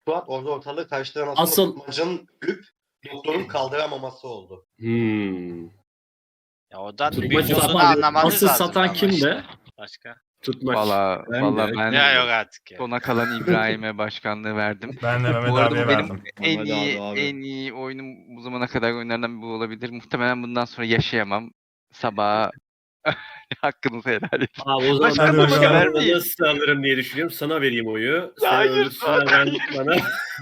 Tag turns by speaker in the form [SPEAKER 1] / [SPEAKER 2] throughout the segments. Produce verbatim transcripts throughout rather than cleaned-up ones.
[SPEAKER 1] Fuat orada ortalığı karıştıran aslında
[SPEAKER 2] Asıl-
[SPEAKER 1] tutmacının ölüp doktorun kaldıramaması oldu.
[SPEAKER 2] Hmm.
[SPEAKER 3] Ya o da
[SPEAKER 2] Tutmaç
[SPEAKER 3] büyük olduğunu
[SPEAKER 2] satan-
[SPEAKER 3] anlamanız
[SPEAKER 2] asıl
[SPEAKER 3] lazım.
[SPEAKER 2] satan
[SPEAKER 3] ama
[SPEAKER 2] kimdi?
[SPEAKER 3] işte. Başka.
[SPEAKER 2] Tutmaç.
[SPEAKER 4] Valla
[SPEAKER 5] Ben
[SPEAKER 4] valla
[SPEAKER 5] de.
[SPEAKER 4] ben
[SPEAKER 3] Ya yok artık ya.
[SPEAKER 4] sona kalan İbrahim'e başkanlığı verdim.
[SPEAKER 6] Ben de Mehmet
[SPEAKER 4] Bu arada
[SPEAKER 6] abiye
[SPEAKER 4] bu benim
[SPEAKER 6] verdim.
[SPEAKER 4] en
[SPEAKER 5] Mehmet
[SPEAKER 4] iyi
[SPEAKER 5] abi, abi.
[SPEAKER 4] en iyi oyunum bu zamana kadar oyunlardan biri olabilir. Muhtemelen bundan sonra yaşayamam. Sabaha hakkınızı helal edin.
[SPEAKER 2] Abi o zaman
[SPEAKER 6] Başkan
[SPEAKER 2] ben
[SPEAKER 6] başkan
[SPEAKER 2] başkanlığı
[SPEAKER 4] vermeyin.
[SPEAKER 2] nasıl alırım diye düşünüyorum. Sana vereyim oyu. Sen
[SPEAKER 4] Hayır,
[SPEAKER 2] ölürsün, ben bana.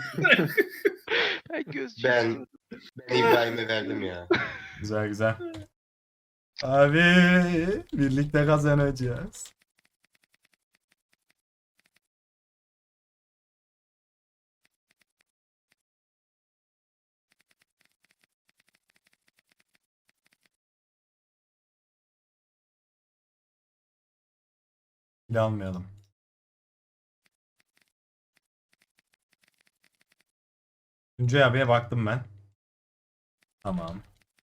[SPEAKER 4] Ben göz
[SPEAKER 1] Ben ben İbrahim'e verdim ya.
[SPEAKER 6] Güzel güzel. Abi birlikte kazanacağız. Bile almayalım. Tuncay abiye baktım ben. Tamam.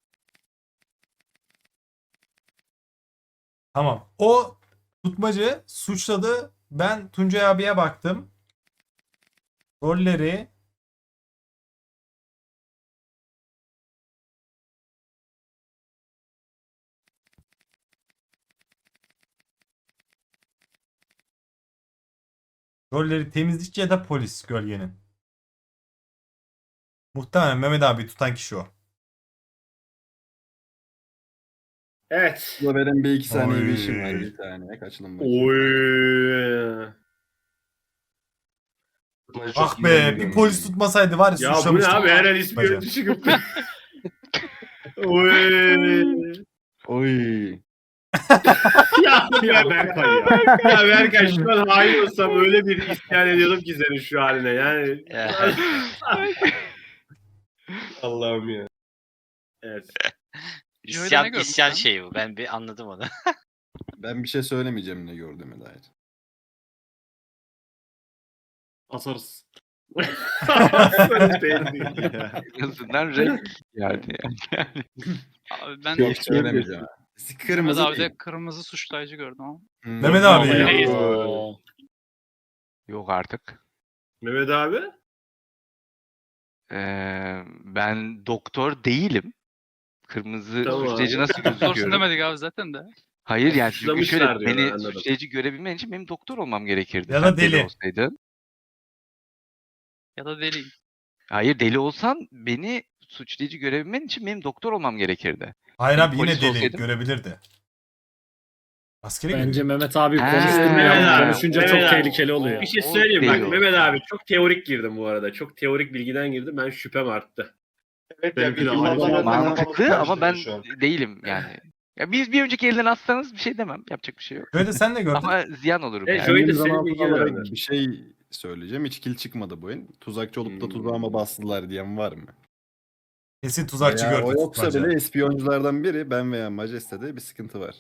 [SPEAKER 6] Tamam. O tutmacı suçladı. Ben Tuncay abiye baktım. Rolleri Rolleri temizlikçi ya da polis gölgenin. Muhtemelen Mehmet abi tutan kişi o.
[SPEAKER 2] Evet.
[SPEAKER 5] Burada benim bir iki saniye bir işim
[SPEAKER 6] Oy.
[SPEAKER 5] var. Bir tane. Kaçalım bak.
[SPEAKER 2] Oy.
[SPEAKER 1] Tutmacı çok
[SPEAKER 6] Ah
[SPEAKER 1] iyi
[SPEAKER 6] be
[SPEAKER 1] oynuyor.
[SPEAKER 6] bir polis tutmasaydı var ya,
[SPEAKER 2] Ya bu ne
[SPEAKER 6] suçlamıştım.
[SPEAKER 2] abi? Her an ismi
[SPEAKER 6] Tutmacı.
[SPEAKER 2] önce çıkıp. Oy.
[SPEAKER 5] Oy.
[SPEAKER 2] ya, ya Berkay ya. Ya Berkay şu an hain olsam öyle bir isyan ediyordum ki senin şu haline yani.
[SPEAKER 3] Ya.
[SPEAKER 2] Allah'ım ya. Evet.
[SPEAKER 3] İsyan,
[SPEAKER 7] görmüş
[SPEAKER 3] isyan
[SPEAKER 7] lan?
[SPEAKER 3] şeyi bu. Ben bir anladım onu.
[SPEAKER 5] Ben bir şey söylemeyeceğim ne gördüğüme dair.
[SPEAKER 2] Asarız. Asarız değil.
[SPEAKER 4] En azından renk yani.
[SPEAKER 7] Abi ben
[SPEAKER 5] Yok söylemeyeceğim.
[SPEAKER 7] Mehmet
[SPEAKER 5] Kırmızı
[SPEAKER 7] abi
[SPEAKER 5] değil.
[SPEAKER 7] de kırmızı suçlayıcı gördüm ama.
[SPEAKER 5] Hmm.
[SPEAKER 6] Mehmet abi.
[SPEAKER 2] Vallahi.
[SPEAKER 6] ya.
[SPEAKER 4] Yok artık.
[SPEAKER 2] Mehmet abi.
[SPEAKER 4] Ee, ben doktor değilim. Kırmızı
[SPEAKER 2] Tamam.
[SPEAKER 4] suçlayıcı nasıl
[SPEAKER 7] Sorsun
[SPEAKER 4] gözüküyorum?
[SPEAKER 7] demedik abi zaten de.
[SPEAKER 4] Hayır yani çünkü
[SPEAKER 2] Suçlamışlar
[SPEAKER 4] şöyle
[SPEAKER 2] diyor,
[SPEAKER 4] beni
[SPEAKER 2] anladım.
[SPEAKER 4] suçlayıcı görebilmen için benim doktor olmam gerekirdi.
[SPEAKER 6] Ya da
[SPEAKER 4] Sen
[SPEAKER 6] deli.
[SPEAKER 4] olsaydın.
[SPEAKER 7] Ya da deliyim.
[SPEAKER 4] Hayır deli olsan beni suçlayıcı görebilmen için benim doktor olmam gerekirdi.
[SPEAKER 6] Hayır abi yine
[SPEAKER 4] Polis
[SPEAKER 6] deli
[SPEAKER 4] olsaydım.
[SPEAKER 6] görebilirdi. Askeri
[SPEAKER 2] Bence
[SPEAKER 6] gidiyor.
[SPEAKER 2] Mehmet abi
[SPEAKER 4] Ha,
[SPEAKER 2] konuşturmayalım.
[SPEAKER 4] Mehmet abi.
[SPEAKER 2] Konuşunca
[SPEAKER 4] Mehmet
[SPEAKER 2] çok
[SPEAKER 4] abi.
[SPEAKER 2] tehlikeli oluyor. Bir şey
[SPEAKER 4] O
[SPEAKER 2] söyleyeyim bak
[SPEAKER 4] deli
[SPEAKER 2] Mehmet
[SPEAKER 4] oldu.
[SPEAKER 2] abi çok teorik girdim bu arada. Çok teorik bilgiden girdim. Ben şüphem arttı.
[SPEAKER 1] Evet
[SPEAKER 2] Benimki
[SPEAKER 1] ya,
[SPEAKER 2] de
[SPEAKER 1] bizim
[SPEAKER 2] aynı.
[SPEAKER 1] adamlar bana
[SPEAKER 4] Mantıklı
[SPEAKER 1] kafamı
[SPEAKER 4] ama ben
[SPEAKER 1] karıştırıyor şu an.
[SPEAKER 4] değilim yani. Ya biz bir önceki elden atsanız bir şey demem. Yapacak bir şey yok.
[SPEAKER 6] Böyle sen de gördün.
[SPEAKER 4] Ama ziyan olurum
[SPEAKER 2] Evet,
[SPEAKER 4] yani.
[SPEAKER 2] şöyle-
[SPEAKER 5] Kendimi
[SPEAKER 2] senin
[SPEAKER 5] zaman
[SPEAKER 2] bilgin
[SPEAKER 5] olarak
[SPEAKER 2] önemli.
[SPEAKER 5] bir şey söyleyeceğim. Hiç kill çıkmadı bu oyun. Tuzakçı olup da
[SPEAKER 2] Hmm.
[SPEAKER 5] tuzağıma bastılar diyen var mı?
[SPEAKER 6] Kesin tuzakçı
[SPEAKER 5] Veya
[SPEAKER 6] gördü.
[SPEAKER 5] o yoksa
[SPEAKER 6] tutmacı.
[SPEAKER 5] bile ispiyonculardan biri ben veya Majeste'de bir sıkıntı var.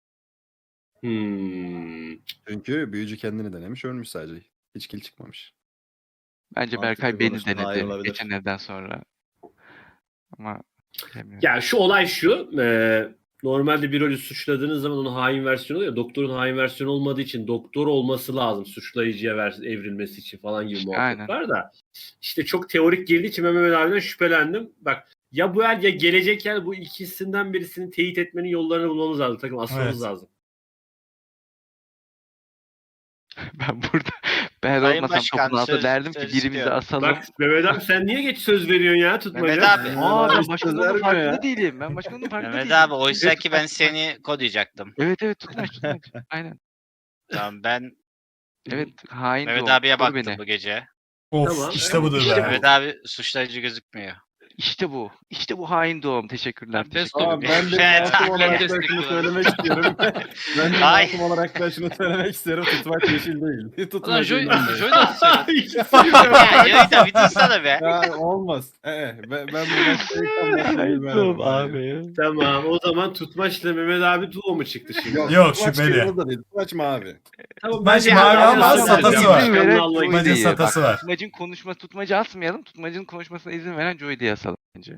[SPEAKER 2] Hmm.
[SPEAKER 5] Çünkü büyücü kendini denemiş ölmüş sadece. Hiç kill çıkmamış.
[SPEAKER 4] Bence
[SPEAKER 5] Mantıklı
[SPEAKER 4] Berkay beni
[SPEAKER 5] konuştun, hayır
[SPEAKER 4] denedi
[SPEAKER 5] olabilir.
[SPEAKER 4] geçen elden sonra. Ama bilemiyorum.
[SPEAKER 2] Ya şu olay şu. E, normalde bir rolü suçladığınız zaman onun hain versiyonu oluyor. Doktorun hain versiyonu olmadığı için doktor olması lazım suçlayıcıya ver, evrilmesi için falan gibi
[SPEAKER 4] İşte
[SPEAKER 2] muhabbet
[SPEAKER 4] aynen.
[SPEAKER 2] var da. İşte çok teorik girdiği için ben Mehmet abiden şüphelendim. Bak ya bu el ya gelecek el bu ikisinden birisini teyit etmenin yollarını bulmamız lazım. Takım asmamız
[SPEAKER 6] Evet.
[SPEAKER 2] lazım.
[SPEAKER 4] Ben burada ben
[SPEAKER 3] Sayın
[SPEAKER 4] olmasam
[SPEAKER 3] Başkan,
[SPEAKER 4] topun altında
[SPEAKER 3] söz-
[SPEAKER 4] derdim ki
[SPEAKER 3] söz
[SPEAKER 4] birimizi
[SPEAKER 3] istiyorum.
[SPEAKER 4] asalım.
[SPEAKER 2] Bak Mehmet abi sen niye geç söz veriyorsun ya tutmaca?
[SPEAKER 3] Mehmet abi.
[SPEAKER 4] Aa ben
[SPEAKER 5] Abi,
[SPEAKER 4] başkanın
[SPEAKER 5] söz vermiyor
[SPEAKER 4] farkında
[SPEAKER 5] ya.
[SPEAKER 4] değilim. Ben başkanın farkında
[SPEAKER 3] Mehmet
[SPEAKER 4] değilim.
[SPEAKER 3] abi oysa ki ben seni kodayacaktım.
[SPEAKER 4] Evet evet tutmaç tutmaç. Aynen.
[SPEAKER 3] Tamam ben
[SPEAKER 4] Evet hain
[SPEAKER 3] Mehmet
[SPEAKER 4] de o.
[SPEAKER 3] abiye
[SPEAKER 4] Koru
[SPEAKER 3] baktım
[SPEAKER 4] beni.
[SPEAKER 3] bu gece.
[SPEAKER 6] Of
[SPEAKER 2] Tamam.
[SPEAKER 6] işte budur
[SPEAKER 4] İşte
[SPEAKER 6] be.
[SPEAKER 3] Mehmet abi suçlayıcı gözükmüyor.
[SPEAKER 4] İşte bu. İşte bu hain doğum. Teşekkürler.
[SPEAKER 7] Best
[SPEAKER 4] teşekkürler.
[SPEAKER 7] of.
[SPEAKER 5] Abi ben de
[SPEAKER 3] Evet,
[SPEAKER 5] masum
[SPEAKER 3] abi.
[SPEAKER 5] olarak da şunu
[SPEAKER 7] Destekliyorum.
[SPEAKER 5] söylemek istiyorum. ben de
[SPEAKER 3] Ay.
[SPEAKER 5] masum olarak da şunu söylemek istiyorum. Tutmak yeşil değil.
[SPEAKER 7] Ulan
[SPEAKER 5] Tutmak
[SPEAKER 7] Joy,
[SPEAKER 5] yeşil
[SPEAKER 7] Joy da söyledi.
[SPEAKER 3] Ya Yoyda bir dursana be.
[SPEAKER 5] Ya olmaz. Ee, ben, ben bu maçta
[SPEAKER 4] Hain doğum abi.
[SPEAKER 2] Tamam o zaman tutmaçla Mehmet abi duo mu çıktı şimdi?
[SPEAKER 6] Yok, şüpheli.
[SPEAKER 5] Da değil. Tutmaç mavi.
[SPEAKER 2] Tamam,
[SPEAKER 6] Tutmaç
[SPEAKER 2] ben-
[SPEAKER 6] mavi
[SPEAKER 2] ben-
[SPEAKER 6] ama
[SPEAKER 2] ben-
[SPEAKER 6] satası
[SPEAKER 2] ben-
[SPEAKER 6] var.
[SPEAKER 2] ben-
[SPEAKER 4] Veren
[SPEAKER 2] Başkanlığı
[SPEAKER 4] Joy
[SPEAKER 6] Tutmacın
[SPEAKER 4] değil.
[SPEAKER 6] satası
[SPEAKER 4] Bak,
[SPEAKER 6] var.
[SPEAKER 4] Tutmacın konuşma tutmacı asmayalım. Tutmacın konuşmasına izin veren Joy'u diye asalım bence.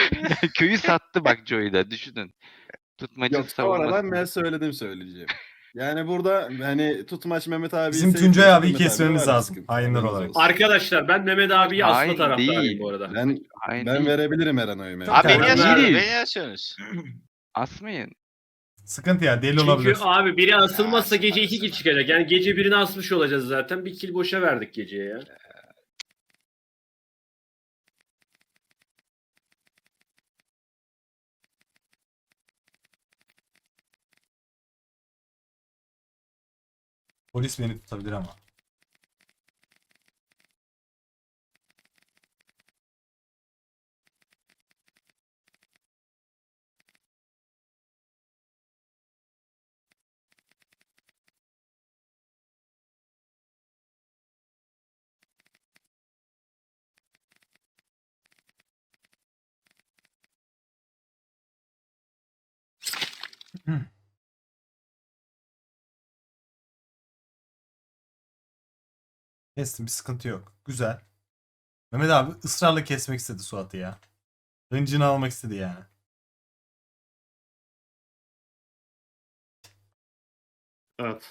[SPEAKER 4] Köyü sattı bak Joy'da düşünün. Tutmacı
[SPEAKER 5] Yok sonradan
[SPEAKER 4] savunması.
[SPEAKER 5] ben söyledim söyleyeceğim. Yani burada hani tutmaç Mehmet abi
[SPEAKER 6] Bizim
[SPEAKER 5] ise-
[SPEAKER 6] Tuncay abiyi
[SPEAKER 5] Mehmet abi
[SPEAKER 6] kesmemiz
[SPEAKER 5] var
[SPEAKER 6] lazım,
[SPEAKER 5] sıkıntı.
[SPEAKER 6] hainler
[SPEAKER 5] Haberiniz
[SPEAKER 6] olarak.
[SPEAKER 5] olsun.
[SPEAKER 2] Arkadaşlar ben Mehmet abiyi asma
[SPEAKER 4] Hain
[SPEAKER 2] taraftarıyım
[SPEAKER 4] değil.
[SPEAKER 2] bu arada.
[SPEAKER 5] Ben
[SPEAKER 4] Hayır
[SPEAKER 5] ben
[SPEAKER 4] değil.
[SPEAKER 5] verebilirim Eren oyumu.
[SPEAKER 6] Çok
[SPEAKER 3] Abi
[SPEAKER 6] erken.
[SPEAKER 3] beni
[SPEAKER 6] Değil.
[SPEAKER 3] yazıyorsunuz. Beni yazıyorsunuz.
[SPEAKER 4] Asmayın.
[SPEAKER 6] Sıkıntı ya, deli
[SPEAKER 2] Çünkü
[SPEAKER 6] olabilir.
[SPEAKER 2] abi biri asılmazsa
[SPEAKER 3] Ya,
[SPEAKER 2] gece iki kill
[SPEAKER 3] asılmaz.
[SPEAKER 2] çıkacak. Yani gece birini asmış olacağız zaten. Bir kill boşa verdik geceye ya.
[SPEAKER 6] Polis beni tutabilir ama. Kestim, bir sıkıntı yok. Güzel. Mehmet abi ısrarla kesmek istedi Suat'ı ya. Hıncını almak istedi yani.
[SPEAKER 2] Evet.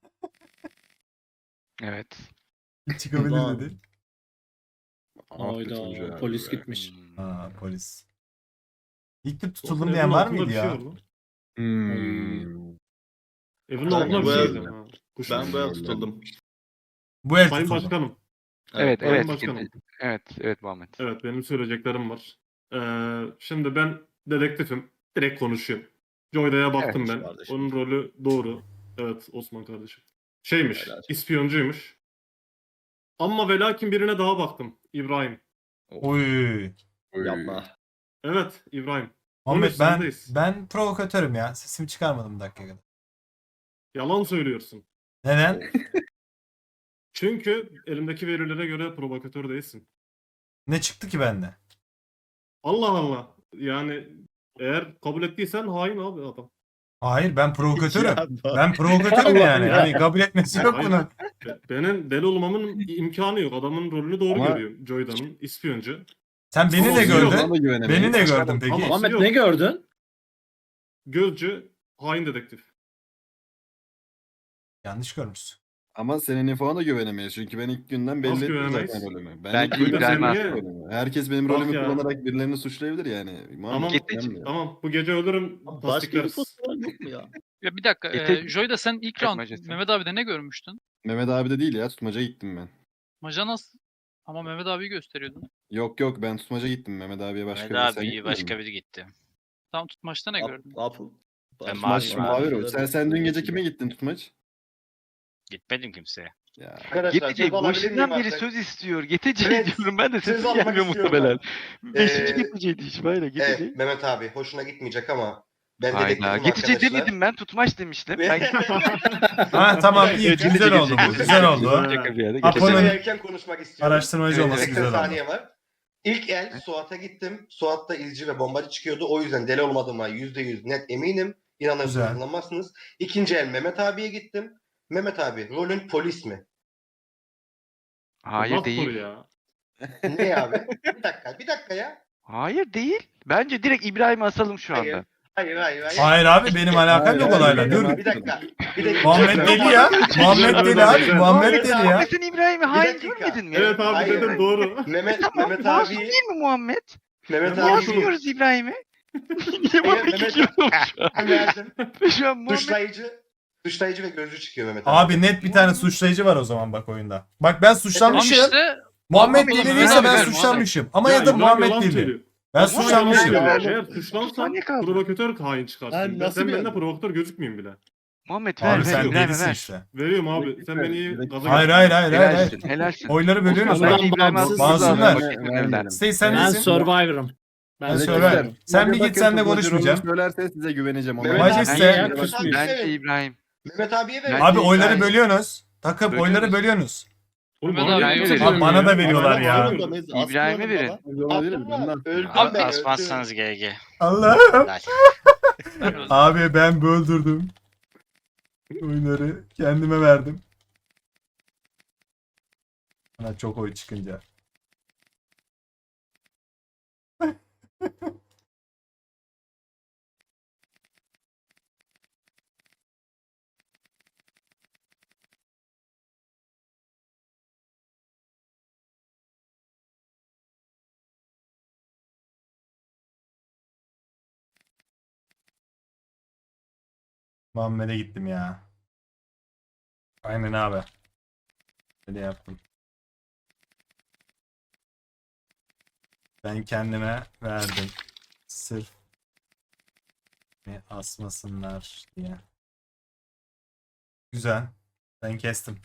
[SPEAKER 4] Evet.
[SPEAKER 6] Çıkabilir
[SPEAKER 8] Ulan.
[SPEAKER 6] dedi.
[SPEAKER 5] Ah be Tuncay
[SPEAKER 8] Hayda
[SPEAKER 5] abi
[SPEAKER 8] polis
[SPEAKER 5] be.
[SPEAKER 8] gitmiş.
[SPEAKER 6] Ha, polis. İlk tür tutuldum diyen var mıydı ya?
[SPEAKER 5] Hmm.
[SPEAKER 2] Evin
[SPEAKER 8] Ben
[SPEAKER 2] altına bir
[SPEAKER 8] bu
[SPEAKER 2] şey
[SPEAKER 8] el-
[SPEAKER 2] diyeceğim ha. Kuş
[SPEAKER 8] Ben bu el
[SPEAKER 5] Öyle.
[SPEAKER 8] tutuldum.
[SPEAKER 6] Bu el
[SPEAKER 2] Sayın
[SPEAKER 6] tutuldu.
[SPEAKER 2] Başkanım.
[SPEAKER 4] Evet,
[SPEAKER 8] Sayın
[SPEAKER 4] evet.
[SPEAKER 2] Başkanım.
[SPEAKER 4] Evet, evet Muhammed.
[SPEAKER 2] Evet benim söyleyeceklerim var. Ee, şimdi ben dedektifim. Direkt konuşuyorum. Joyda'ya baktım
[SPEAKER 8] Evet,
[SPEAKER 2] ben.
[SPEAKER 8] kardeşim.
[SPEAKER 2] Onun rolü doğru. Evet Osman kardeşim. Şeymiş.
[SPEAKER 8] Helal.
[SPEAKER 2] İspiyoncuymuş. Ama ve lakin birine daha baktım. İbrahim.
[SPEAKER 6] Oy.
[SPEAKER 5] Oy.
[SPEAKER 8] Yapma.
[SPEAKER 2] Evet İbrahim.
[SPEAKER 6] Muhammed
[SPEAKER 2] Konuş,
[SPEAKER 6] ben
[SPEAKER 2] sendeyiz.
[SPEAKER 6] ben provokatörüm ya. Sesimi çıkarmadım bir dakika kadar.
[SPEAKER 2] Yalan söylüyorsun.
[SPEAKER 6] Neden?
[SPEAKER 2] Çünkü elimdeki verilere göre provokatör değilsin.
[SPEAKER 6] Ne çıktı ki bende?
[SPEAKER 2] Allah Allah. Yani eğer kabul ettiysen hain abi adam.
[SPEAKER 6] Hayır, ben provokatörüm.
[SPEAKER 8] Ya,
[SPEAKER 6] Ben provokatörüm
[SPEAKER 8] Allah
[SPEAKER 6] yani.
[SPEAKER 8] ya.
[SPEAKER 6] Hani kabul etmesi yok
[SPEAKER 2] Hayır.
[SPEAKER 6] bunun.
[SPEAKER 2] Be- Benim deli olmamın imkanı yok. Adamın rolünü doğru
[SPEAKER 5] Ama-
[SPEAKER 2] görüyorum. Joyda'nın ispiyoncu.
[SPEAKER 6] Sen beni
[SPEAKER 2] Ama
[SPEAKER 6] de
[SPEAKER 2] yok,
[SPEAKER 6] gördün.
[SPEAKER 5] Ona da güvenemeyiz.
[SPEAKER 6] Beni de gördün peki.
[SPEAKER 2] Ama-
[SPEAKER 8] Muhammed
[SPEAKER 2] yok.
[SPEAKER 8] ne gördün?
[SPEAKER 2] Gözcü, hain dedektif.
[SPEAKER 6] Yanlış görmüşsün.
[SPEAKER 5] Ama senin infona da güvenemeyiz. Çünkü ben ilk günden belli
[SPEAKER 2] Nasıl
[SPEAKER 5] ettim
[SPEAKER 2] güvenemeyiz?
[SPEAKER 5] zaten rolümü. Ben
[SPEAKER 4] Bence
[SPEAKER 5] ilk günden
[SPEAKER 2] İbrahim
[SPEAKER 5] belli
[SPEAKER 2] Aslan.
[SPEAKER 5] ettim rolümü. Herkes benim
[SPEAKER 2] Bak
[SPEAKER 5] rolümü
[SPEAKER 2] ya.
[SPEAKER 5] kullanarak birilerini suçlayabilir yani.
[SPEAKER 2] Tamam.
[SPEAKER 5] Muhammed
[SPEAKER 4] Git-
[SPEAKER 5] önemli.
[SPEAKER 2] Tamam bu gece ölürüm.
[SPEAKER 8] Başka
[SPEAKER 2] Tasdiklersin.
[SPEAKER 8] info yok mu ya?
[SPEAKER 7] Ya bir dakika.
[SPEAKER 4] Getir-
[SPEAKER 7] E, Joy'da sen ilk round
[SPEAKER 4] Çekmecesi.
[SPEAKER 7] Mehmet abi'de ne görmüştün?
[SPEAKER 5] Mehmet abi de değil ya. Tutmaca gittim ben.
[SPEAKER 7] Majanas ama Mehmet abiyi gösteriyordun.
[SPEAKER 5] Yok yok ben tutmaca gittim. Mehmet abiye başka
[SPEAKER 3] Mehmet
[SPEAKER 5] biri. Sen
[SPEAKER 3] abi
[SPEAKER 5] gitmedin
[SPEAKER 3] başka
[SPEAKER 5] mi?
[SPEAKER 3] biri gitti.
[SPEAKER 7] Tam tutmaçta ne gördün?
[SPEAKER 8] Apple.
[SPEAKER 3] Ben
[SPEAKER 5] Tutmaç
[SPEAKER 3] mavi-
[SPEAKER 5] mavi rol. Sen, sen dün gece kime gittin tutmaç?
[SPEAKER 3] Gitmedim kimseye.
[SPEAKER 5] Ya.
[SPEAKER 1] Arkadaşlar
[SPEAKER 4] Getece
[SPEAKER 1] söz alabilir
[SPEAKER 4] boşundan
[SPEAKER 1] miyim
[SPEAKER 4] beri
[SPEAKER 1] artık?
[SPEAKER 4] söz istiyor. Getece
[SPEAKER 1] Evet,
[SPEAKER 4] diyorum ben de
[SPEAKER 1] söz
[SPEAKER 4] sesim
[SPEAKER 1] almak
[SPEAKER 4] gelmiyor
[SPEAKER 1] istiyorum
[SPEAKER 4] muhtemelen.
[SPEAKER 1] ben.
[SPEAKER 4] Beşinci
[SPEAKER 1] Ee,
[SPEAKER 4] Getece'ydi iş böyle Getece.
[SPEAKER 1] Evet Mehmet abi hoşuna gitmeyecek ama ben
[SPEAKER 4] Hayda.
[SPEAKER 1] dedektifim
[SPEAKER 4] Getece
[SPEAKER 1] arkadaşlar.
[SPEAKER 4] demedim ben tutmaç demiştim. Ben
[SPEAKER 6] Ha tamam, iyi,
[SPEAKER 4] Getece,
[SPEAKER 6] güzel oldu
[SPEAKER 4] Getece.
[SPEAKER 6] bu. Güzel oldu.
[SPEAKER 4] Şaka bir yerde
[SPEAKER 6] Apo'nun-
[SPEAKER 4] Getece.
[SPEAKER 1] Apo'nun erken konuşmak istiyorum.
[SPEAKER 6] Araştırmacı
[SPEAKER 4] Evet,
[SPEAKER 6] olması
[SPEAKER 4] evet.
[SPEAKER 1] seksen
[SPEAKER 6] güzel oldu.
[SPEAKER 1] saniye var. İlk el Suat'a gittim. Suat'ta izci ve bombacı çıkıyordu. O yüzden deli olmadığıma yüzde yüz net eminim. İnanırsınız
[SPEAKER 6] Güzel.
[SPEAKER 1] inanmazsınız. İkinci el Mehmet abiye gittim. Mehmet abi rolün polis mi?
[SPEAKER 4] Hayır
[SPEAKER 2] Nasıl
[SPEAKER 4] değil.
[SPEAKER 2] soru ya?
[SPEAKER 1] Ne abi? Bir dakika bir dakika ya.
[SPEAKER 4] Hayır değil. Bence direkt İbrahim'i asalım şu
[SPEAKER 1] Hayır.
[SPEAKER 4] anda.
[SPEAKER 1] Hayır hayır hayır.
[SPEAKER 6] Hayır abi, benim alakam
[SPEAKER 5] Hayır,
[SPEAKER 6] yok
[SPEAKER 5] hayır,
[SPEAKER 6] olayla.
[SPEAKER 5] hayır,
[SPEAKER 6] Dur.
[SPEAKER 5] hayır.
[SPEAKER 1] Bir dakika. Bir dakika.
[SPEAKER 6] Muhammed deli ya. Muhammed deli abi. Muhammed deli ya.
[SPEAKER 4] Muhammed sen İbrahim'i hain
[SPEAKER 1] dakika.
[SPEAKER 4] görmedin mi?
[SPEAKER 2] Evet abi
[SPEAKER 1] Hayır,
[SPEAKER 2] dedim
[SPEAKER 1] hayır.
[SPEAKER 2] doğru.
[SPEAKER 1] Mehmet,
[SPEAKER 4] Tamam,
[SPEAKER 1] Mehmet
[SPEAKER 4] masum
[SPEAKER 1] abi
[SPEAKER 4] değil mi Muhammed?
[SPEAKER 1] Mehmet
[SPEAKER 2] Masum.
[SPEAKER 1] abi
[SPEAKER 4] Yazmıyoruz İbrahim'i. Niye bana
[SPEAKER 1] Mehmet-
[SPEAKER 4] gidiyorum
[SPEAKER 1] verdim.
[SPEAKER 4] şu an Muhammed?
[SPEAKER 1] Suçlayıcı, suçlayıcı ve gözcü çıkıyor Mehmet abi.
[SPEAKER 6] Abi net bir tane suçlayıcı var o zaman bak oyunda. Bak ben
[SPEAKER 7] Tamam
[SPEAKER 6] suçlanmışım.
[SPEAKER 7] işte
[SPEAKER 6] Muhammed
[SPEAKER 4] Muhammed
[SPEAKER 6] deli değilse ben
[SPEAKER 4] Muhammed,
[SPEAKER 6] suçlanmışım. Ama ya da
[SPEAKER 2] İbrahim
[SPEAKER 6] Muhammed
[SPEAKER 2] yalan
[SPEAKER 6] deli.
[SPEAKER 2] söylüyor.
[SPEAKER 6] Ben
[SPEAKER 4] Muhammed
[SPEAKER 6] suçlanmışım.
[SPEAKER 4] yalan
[SPEAKER 2] Eğer
[SPEAKER 4] söylüyor.
[SPEAKER 2] suçlansam
[SPEAKER 4] Saniye kaldı.
[SPEAKER 2] provokatör hain çıkarsın.
[SPEAKER 8] Lan
[SPEAKER 2] Ben,
[SPEAKER 8] nasıl
[SPEAKER 2] sen
[SPEAKER 8] bir
[SPEAKER 2] benden
[SPEAKER 8] adam?
[SPEAKER 2] provokatör gözükmeyeyim bile.
[SPEAKER 4] Muhammed ver
[SPEAKER 6] Abi
[SPEAKER 4] ver
[SPEAKER 6] sen
[SPEAKER 4] İbrahim'e
[SPEAKER 6] delisin
[SPEAKER 4] ver.
[SPEAKER 6] işte.
[SPEAKER 2] Veriyorum abi. Sen beni iyi
[SPEAKER 5] Direkt-
[SPEAKER 2] gaza
[SPEAKER 6] Hayır
[SPEAKER 2] getir.
[SPEAKER 6] hayır hayır hayır. hayır.
[SPEAKER 4] Helalsin helalsin.
[SPEAKER 6] Oyları bölüyorsunuz
[SPEAKER 4] Osman
[SPEAKER 6] bak.
[SPEAKER 4] bence İbrahim'i
[SPEAKER 8] Bağımsız-
[SPEAKER 4] almamız lazım.
[SPEAKER 6] Masumlar.
[SPEAKER 4] Vakit önerilerden.
[SPEAKER 6] Stay sen
[SPEAKER 8] Ben
[SPEAKER 6] nesin?
[SPEAKER 8] Survivor'ım. Ben
[SPEAKER 6] Ben
[SPEAKER 5] Direkt
[SPEAKER 6] Survivor.
[SPEAKER 8] Survivor'ım.
[SPEAKER 6] Sen bir
[SPEAKER 5] Bakın
[SPEAKER 6] git, senle
[SPEAKER 5] tutmacı rolünü
[SPEAKER 6] konuşmayacağım.
[SPEAKER 5] Söylerse size güveneceğim. Ona
[SPEAKER 1] Mehmet
[SPEAKER 5] göre.
[SPEAKER 1] abi-
[SPEAKER 6] Majeste.
[SPEAKER 4] Bence,
[SPEAKER 1] Mehmet abi
[SPEAKER 4] bence
[SPEAKER 1] evet.
[SPEAKER 4] İbrahim.
[SPEAKER 1] Mehmet abiye ver.
[SPEAKER 6] Abi
[SPEAKER 1] İyi,
[SPEAKER 6] oyları
[SPEAKER 1] hayır.
[SPEAKER 6] bölüyorsunuz. Takım
[SPEAKER 4] Bölüyoruz.
[SPEAKER 6] oyları bölüyorsunuz.
[SPEAKER 2] Oğlum
[SPEAKER 7] Mehmet
[SPEAKER 2] bana
[SPEAKER 7] abi,
[SPEAKER 2] niye
[SPEAKER 7] evet.
[SPEAKER 2] söylüyorsun
[SPEAKER 6] Bana
[SPEAKER 2] ya?
[SPEAKER 6] da veriyorlar ya.
[SPEAKER 2] Bana
[SPEAKER 4] İbrahim'e verin.
[SPEAKER 5] Zorla değiliz, ben de
[SPEAKER 1] Abdullah, öldüm
[SPEAKER 3] Abi
[SPEAKER 1] ben.
[SPEAKER 3] asmazsanız G G.
[SPEAKER 6] Allah'ım.
[SPEAKER 3] Helal.
[SPEAKER 6] Abi ben böldürdüm. Oyları kendime verdim. Bana çok oy çıkınca. Muhammed'e gittim ya. Aynen abi. Öyle yaptım. Ben kendime verdim. Sırf beni asmasınlar diye. Güzel. Ben kestim.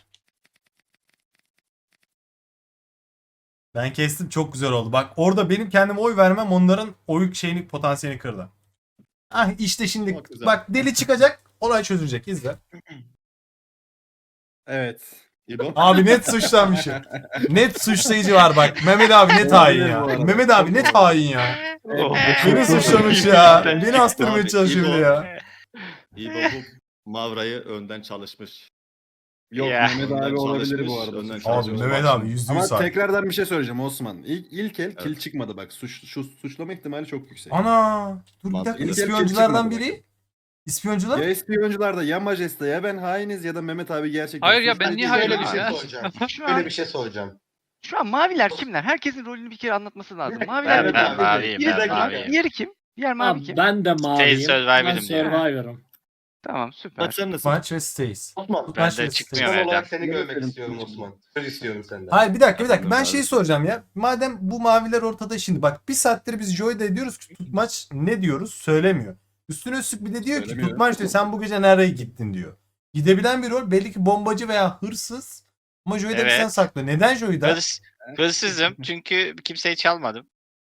[SPEAKER 6] Ben kestim, çok güzel oldu. Bak orada benim kendime oy vermem onların oy şeyini, potansiyelini kırdı. Ah işte şimdi
[SPEAKER 5] Çok güzel.
[SPEAKER 6] bak deli çıkacak, olay çözülecek. İzle.
[SPEAKER 5] Evet. İbo.
[SPEAKER 6] Abi net suçlanmışım. Net suçlayıcı var bak. Mehmet abi net hain ya.
[SPEAKER 5] Olabilir bu arada.
[SPEAKER 6] Mehmet abi net hain ya. Beni suçlamış ya. Beni astırmaya
[SPEAKER 9] Abi,
[SPEAKER 6] çalışıyor bir de
[SPEAKER 9] İbo.
[SPEAKER 6] ya.
[SPEAKER 9] İbo bu Mavra'yı önden çalışmış.
[SPEAKER 5] Yok
[SPEAKER 6] Ee,
[SPEAKER 2] Ya.
[SPEAKER 5] Mehmet abi
[SPEAKER 9] Önden
[SPEAKER 5] olabilir
[SPEAKER 9] çalışmış,
[SPEAKER 5] bu arada.
[SPEAKER 9] önden
[SPEAKER 5] suç.
[SPEAKER 9] çalışmış.
[SPEAKER 6] Abi Mehmet abi yüzde
[SPEAKER 5] Ama
[SPEAKER 6] yüz hain.
[SPEAKER 5] tekrardan bir şey söyleyeceğim Osman. İlk, ilk el kil
[SPEAKER 9] Evet.
[SPEAKER 5] çıkmadı bak. Suç, şu, suçlama ihtimali çok yüksek.
[SPEAKER 6] Ana. Dur bir
[SPEAKER 9] Mantıklı.
[SPEAKER 6] dakika.
[SPEAKER 5] İlk el kim
[SPEAKER 6] İspiyonculardan
[SPEAKER 5] çıkmadı
[SPEAKER 6] biri. İspiyoncular.
[SPEAKER 5] Ya ispiyoncularda ya Majeste ya ben hainiz ya da Mehmet abi gerçekten.
[SPEAKER 7] Hayır ya,
[SPEAKER 5] suçlu.
[SPEAKER 7] ben niye
[SPEAKER 1] Şöyle
[SPEAKER 7] hayırlı
[SPEAKER 1] bir şey
[SPEAKER 7] ya?
[SPEAKER 1] soracağım.
[SPEAKER 4] Şu
[SPEAKER 1] Şöyle
[SPEAKER 4] an,
[SPEAKER 1] bir şey soracağım.
[SPEAKER 4] şu an maviler kimler? Herkesin rolünü bir kere anlatması lazım. Maviler
[SPEAKER 3] Ben,
[SPEAKER 1] Evet
[SPEAKER 3] ben
[SPEAKER 1] abi.
[SPEAKER 4] kimler?
[SPEAKER 3] maviyim
[SPEAKER 1] Bir
[SPEAKER 3] ben
[SPEAKER 1] dakika.
[SPEAKER 3] maviyim.
[SPEAKER 4] Diğeri kim? Diğer mavi
[SPEAKER 8] Abi
[SPEAKER 4] kim?
[SPEAKER 8] ben de maviyim. Ben
[SPEAKER 3] Survivor'ım diyor.
[SPEAKER 8] Survivor'ım.
[SPEAKER 4] Tamam süper.
[SPEAKER 9] Bak sen nasıl?
[SPEAKER 6] Maç ve Stays.
[SPEAKER 1] Osman
[SPEAKER 3] Ben
[SPEAKER 6] Tutmaç
[SPEAKER 3] de
[SPEAKER 6] ve
[SPEAKER 3] çıkmıyorum.
[SPEAKER 6] Stays.
[SPEAKER 1] son olarak
[SPEAKER 3] evden.
[SPEAKER 1] seni
[SPEAKER 5] Evet,
[SPEAKER 1] görmek
[SPEAKER 5] benim
[SPEAKER 1] istiyorum
[SPEAKER 5] suçum.
[SPEAKER 1] Osman. Söz istiyorum senden.
[SPEAKER 6] Hayır bir dakika bir dakika.
[SPEAKER 9] Tamam,
[SPEAKER 6] Ben
[SPEAKER 9] abi.
[SPEAKER 6] şeyi soracağım ya. Madem bu maviler ortada şimdi. Bak bir saattir biz Joy'da ediyoruz ki tutmaç ne diyoruz söylemiyor. Üstüne üstlük bir de diyor ki
[SPEAKER 5] Söylemiyor.
[SPEAKER 6] tutmaç diyor sen bu gece nereye gittin diyor. Gidebilen bir rol belli ki bombacı veya hırsız. Ama Joy'da bir
[SPEAKER 3] Evet.
[SPEAKER 6] sen saklı. Neden Joy'da?
[SPEAKER 3] Hırs, hırsızım çünkü kimseyi çalmadım.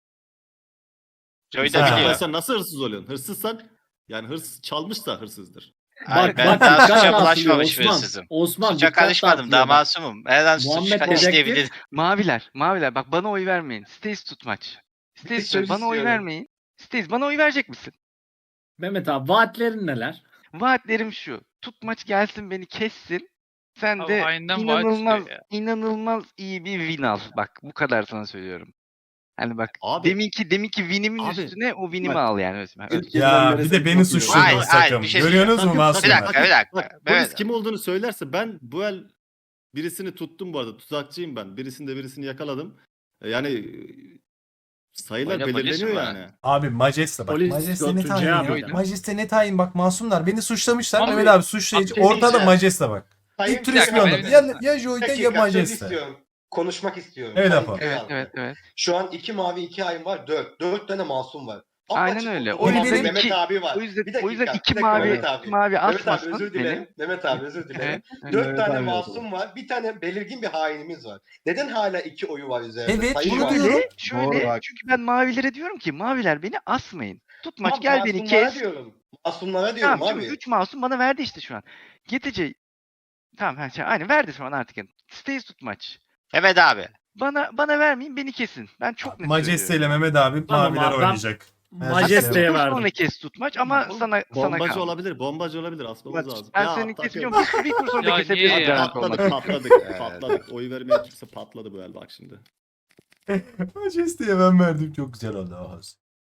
[SPEAKER 3] Joy
[SPEAKER 6] Ha.
[SPEAKER 3] da biliyor.
[SPEAKER 9] Çalmazsan nasıl hırsız oluyorsun? Hırsızsan yani hırsız çalmışsa hırsızdır.
[SPEAKER 3] Hayır,
[SPEAKER 8] Bak
[SPEAKER 3] ben
[SPEAKER 8] bak
[SPEAKER 3] daha
[SPEAKER 8] dikkat
[SPEAKER 3] suça
[SPEAKER 8] dağıtıyor
[SPEAKER 3] bulaşmamış bir
[SPEAKER 8] Osman.
[SPEAKER 3] hırsızım.
[SPEAKER 8] Osman
[SPEAKER 3] Suça
[SPEAKER 8] dikkat
[SPEAKER 3] karışmadım
[SPEAKER 8] dağıtıyor
[SPEAKER 3] daha
[SPEAKER 8] bak.
[SPEAKER 3] masumum. Her an suç
[SPEAKER 8] Muhammed dedektif.
[SPEAKER 3] işleyebilirim.
[SPEAKER 4] Maviler, maviler bak bana oy vermeyin. Stays tutmaç. Stays
[SPEAKER 1] söz
[SPEAKER 4] bana oy
[SPEAKER 1] istiyorum.
[SPEAKER 4] vermeyin. Stays bana oy verecek misin?
[SPEAKER 8] Mehmet abi vaatlerin neler?
[SPEAKER 4] Vaatlerim şu. Tutmaç gelsin beni kessin. Sen
[SPEAKER 7] Abi
[SPEAKER 4] de
[SPEAKER 7] hainden vaat
[SPEAKER 4] inanılmaz
[SPEAKER 7] istiyor ya.
[SPEAKER 4] inanılmaz iyi bir win al. Bak bu kadar sana söylüyorum. Hani bak
[SPEAKER 9] Abi
[SPEAKER 4] deminki deminki winimin
[SPEAKER 9] Abi,
[SPEAKER 4] üstüne o winimi
[SPEAKER 5] bak.
[SPEAKER 4] al yani. Öyle-
[SPEAKER 5] İlk
[SPEAKER 6] Ya
[SPEAKER 5] elden
[SPEAKER 6] bir
[SPEAKER 5] beri
[SPEAKER 6] de
[SPEAKER 5] sen
[SPEAKER 6] beni
[SPEAKER 5] çok iyi
[SPEAKER 6] suçladınız
[SPEAKER 3] Hayır, hayır,
[SPEAKER 6] takım.
[SPEAKER 3] bir şey
[SPEAKER 6] Görüyorsunuz mu
[SPEAKER 5] söyleyeceğim.
[SPEAKER 3] Bir
[SPEAKER 6] masumlar?
[SPEAKER 3] dakika bir dakika.
[SPEAKER 9] Bak polis
[SPEAKER 3] Mehmet,
[SPEAKER 9] kim olduğunu söylerse ben bu el birisini tuttum bu arada. Tuzakçıyım ben. Birisini de birisini yakaladım. E, Yani e, sayılar
[SPEAKER 3] Oyna polis
[SPEAKER 9] belirleniyor
[SPEAKER 3] mi?
[SPEAKER 9] yani.
[SPEAKER 6] Abi Majeste bak.
[SPEAKER 8] Polis
[SPEAKER 6] Majeste net
[SPEAKER 8] götürecek
[SPEAKER 6] hain ya.
[SPEAKER 8] miydi?
[SPEAKER 6] Majeste net hain bak masumlar. Beni suçlamışlar.
[SPEAKER 7] Abi,
[SPEAKER 6] Mehmet abi suçlayıcı.
[SPEAKER 1] abi,
[SPEAKER 6] Ortada
[SPEAKER 1] diyeceğim.
[SPEAKER 6] Majeste bak.
[SPEAKER 1] Sayın
[SPEAKER 6] İlk tur
[SPEAKER 7] bir dakika,
[SPEAKER 6] ispiyonda.
[SPEAKER 7] benim-
[SPEAKER 6] Ya, ya Joy'da
[SPEAKER 1] Dakika,
[SPEAKER 6] ya
[SPEAKER 1] söz
[SPEAKER 6] Majeste.
[SPEAKER 1] istiyorum. Konuşmak istiyorum.
[SPEAKER 6] Evet,
[SPEAKER 1] Sayın
[SPEAKER 6] Apo.
[SPEAKER 1] Kral
[SPEAKER 4] Evet
[SPEAKER 1] halkı.
[SPEAKER 4] evet evet.
[SPEAKER 1] Şu an iki mavi iki hain var. Dört. Dört tane masum var.
[SPEAKER 4] Aynen
[SPEAKER 1] Apaçık
[SPEAKER 4] öyle.
[SPEAKER 1] ortada
[SPEAKER 6] O yüzden
[SPEAKER 1] Mehmet
[SPEAKER 4] iki-
[SPEAKER 1] abi var.
[SPEAKER 4] O yüzden
[SPEAKER 1] Bir dakika,
[SPEAKER 4] o yüzden
[SPEAKER 1] bir
[SPEAKER 4] iki
[SPEAKER 1] dakika
[SPEAKER 4] mavi
[SPEAKER 1] Mehmet abi.
[SPEAKER 4] iki mavi
[SPEAKER 1] Mehmet abi
[SPEAKER 4] asmasın
[SPEAKER 1] özür
[SPEAKER 4] beni.
[SPEAKER 1] dilerim. Mehmet abi özür dilerim.
[SPEAKER 4] Evet. evet.
[SPEAKER 1] Dört
[SPEAKER 5] Evet
[SPEAKER 1] tane
[SPEAKER 5] abi,
[SPEAKER 1] masum var. Bir tane belirgin bir hainimiz var. Neden hala iki oyu var üzerinde?
[SPEAKER 6] Evet,
[SPEAKER 1] Sayın
[SPEAKER 6] bunu
[SPEAKER 1] Valide.
[SPEAKER 6] diyorum.
[SPEAKER 4] Şöyle,
[SPEAKER 5] Doğru,
[SPEAKER 4] şöyle
[SPEAKER 5] bak.
[SPEAKER 4] çünkü ben mavilere diyorum ki maviler beni asmayın. Tutmaç
[SPEAKER 1] Tamam,
[SPEAKER 4] gel beni
[SPEAKER 1] masumlara
[SPEAKER 4] kes.
[SPEAKER 1] diyorum. Masumlara diyorum
[SPEAKER 4] Tamam
[SPEAKER 1] abi.
[SPEAKER 4] çünkü üç masum bana verdi işte şu an. Getece tamam ha, şey, aynen verdi şu an artık. Yani. Stays tutmaç.
[SPEAKER 3] Mehmet abi.
[SPEAKER 4] Bana bana vermeyin beni kesin. Ben çok net
[SPEAKER 6] Majeste ile
[SPEAKER 4] söylüyorum.
[SPEAKER 6] Mehmet abi
[SPEAKER 8] Tamam
[SPEAKER 6] maviler
[SPEAKER 8] abi, ben-
[SPEAKER 6] oynayacak.
[SPEAKER 8] Majeste'ye
[SPEAKER 4] Dur
[SPEAKER 8] verdim.
[SPEAKER 4] sonra kes tutmaç ama sana sana
[SPEAKER 9] Bombacı
[SPEAKER 4] kaldı.
[SPEAKER 9] olabilir. Bombacı olabilir. Asmamız
[SPEAKER 5] Maç-
[SPEAKER 9] lazım.
[SPEAKER 4] Ben
[SPEAKER 9] Ya,
[SPEAKER 4] seni
[SPEAKER 9] takım.
[SPEAKER 4] kesiyorum. Bir, bir tur sonra
[SPEAKER 7] Ya
[SPEAKER 4] kesebilirsin.
[SPEAKER 7] niye ya?
[SPEAKER 4] garanti olmak için.
[SPEAKER 9] Patladık patladık patladık. Oy vermeyen kimse patladı bu el bak şimdi.
[SPEAKER 6] Majeste'ye ben verdim. Çok güzel oldu. Oh.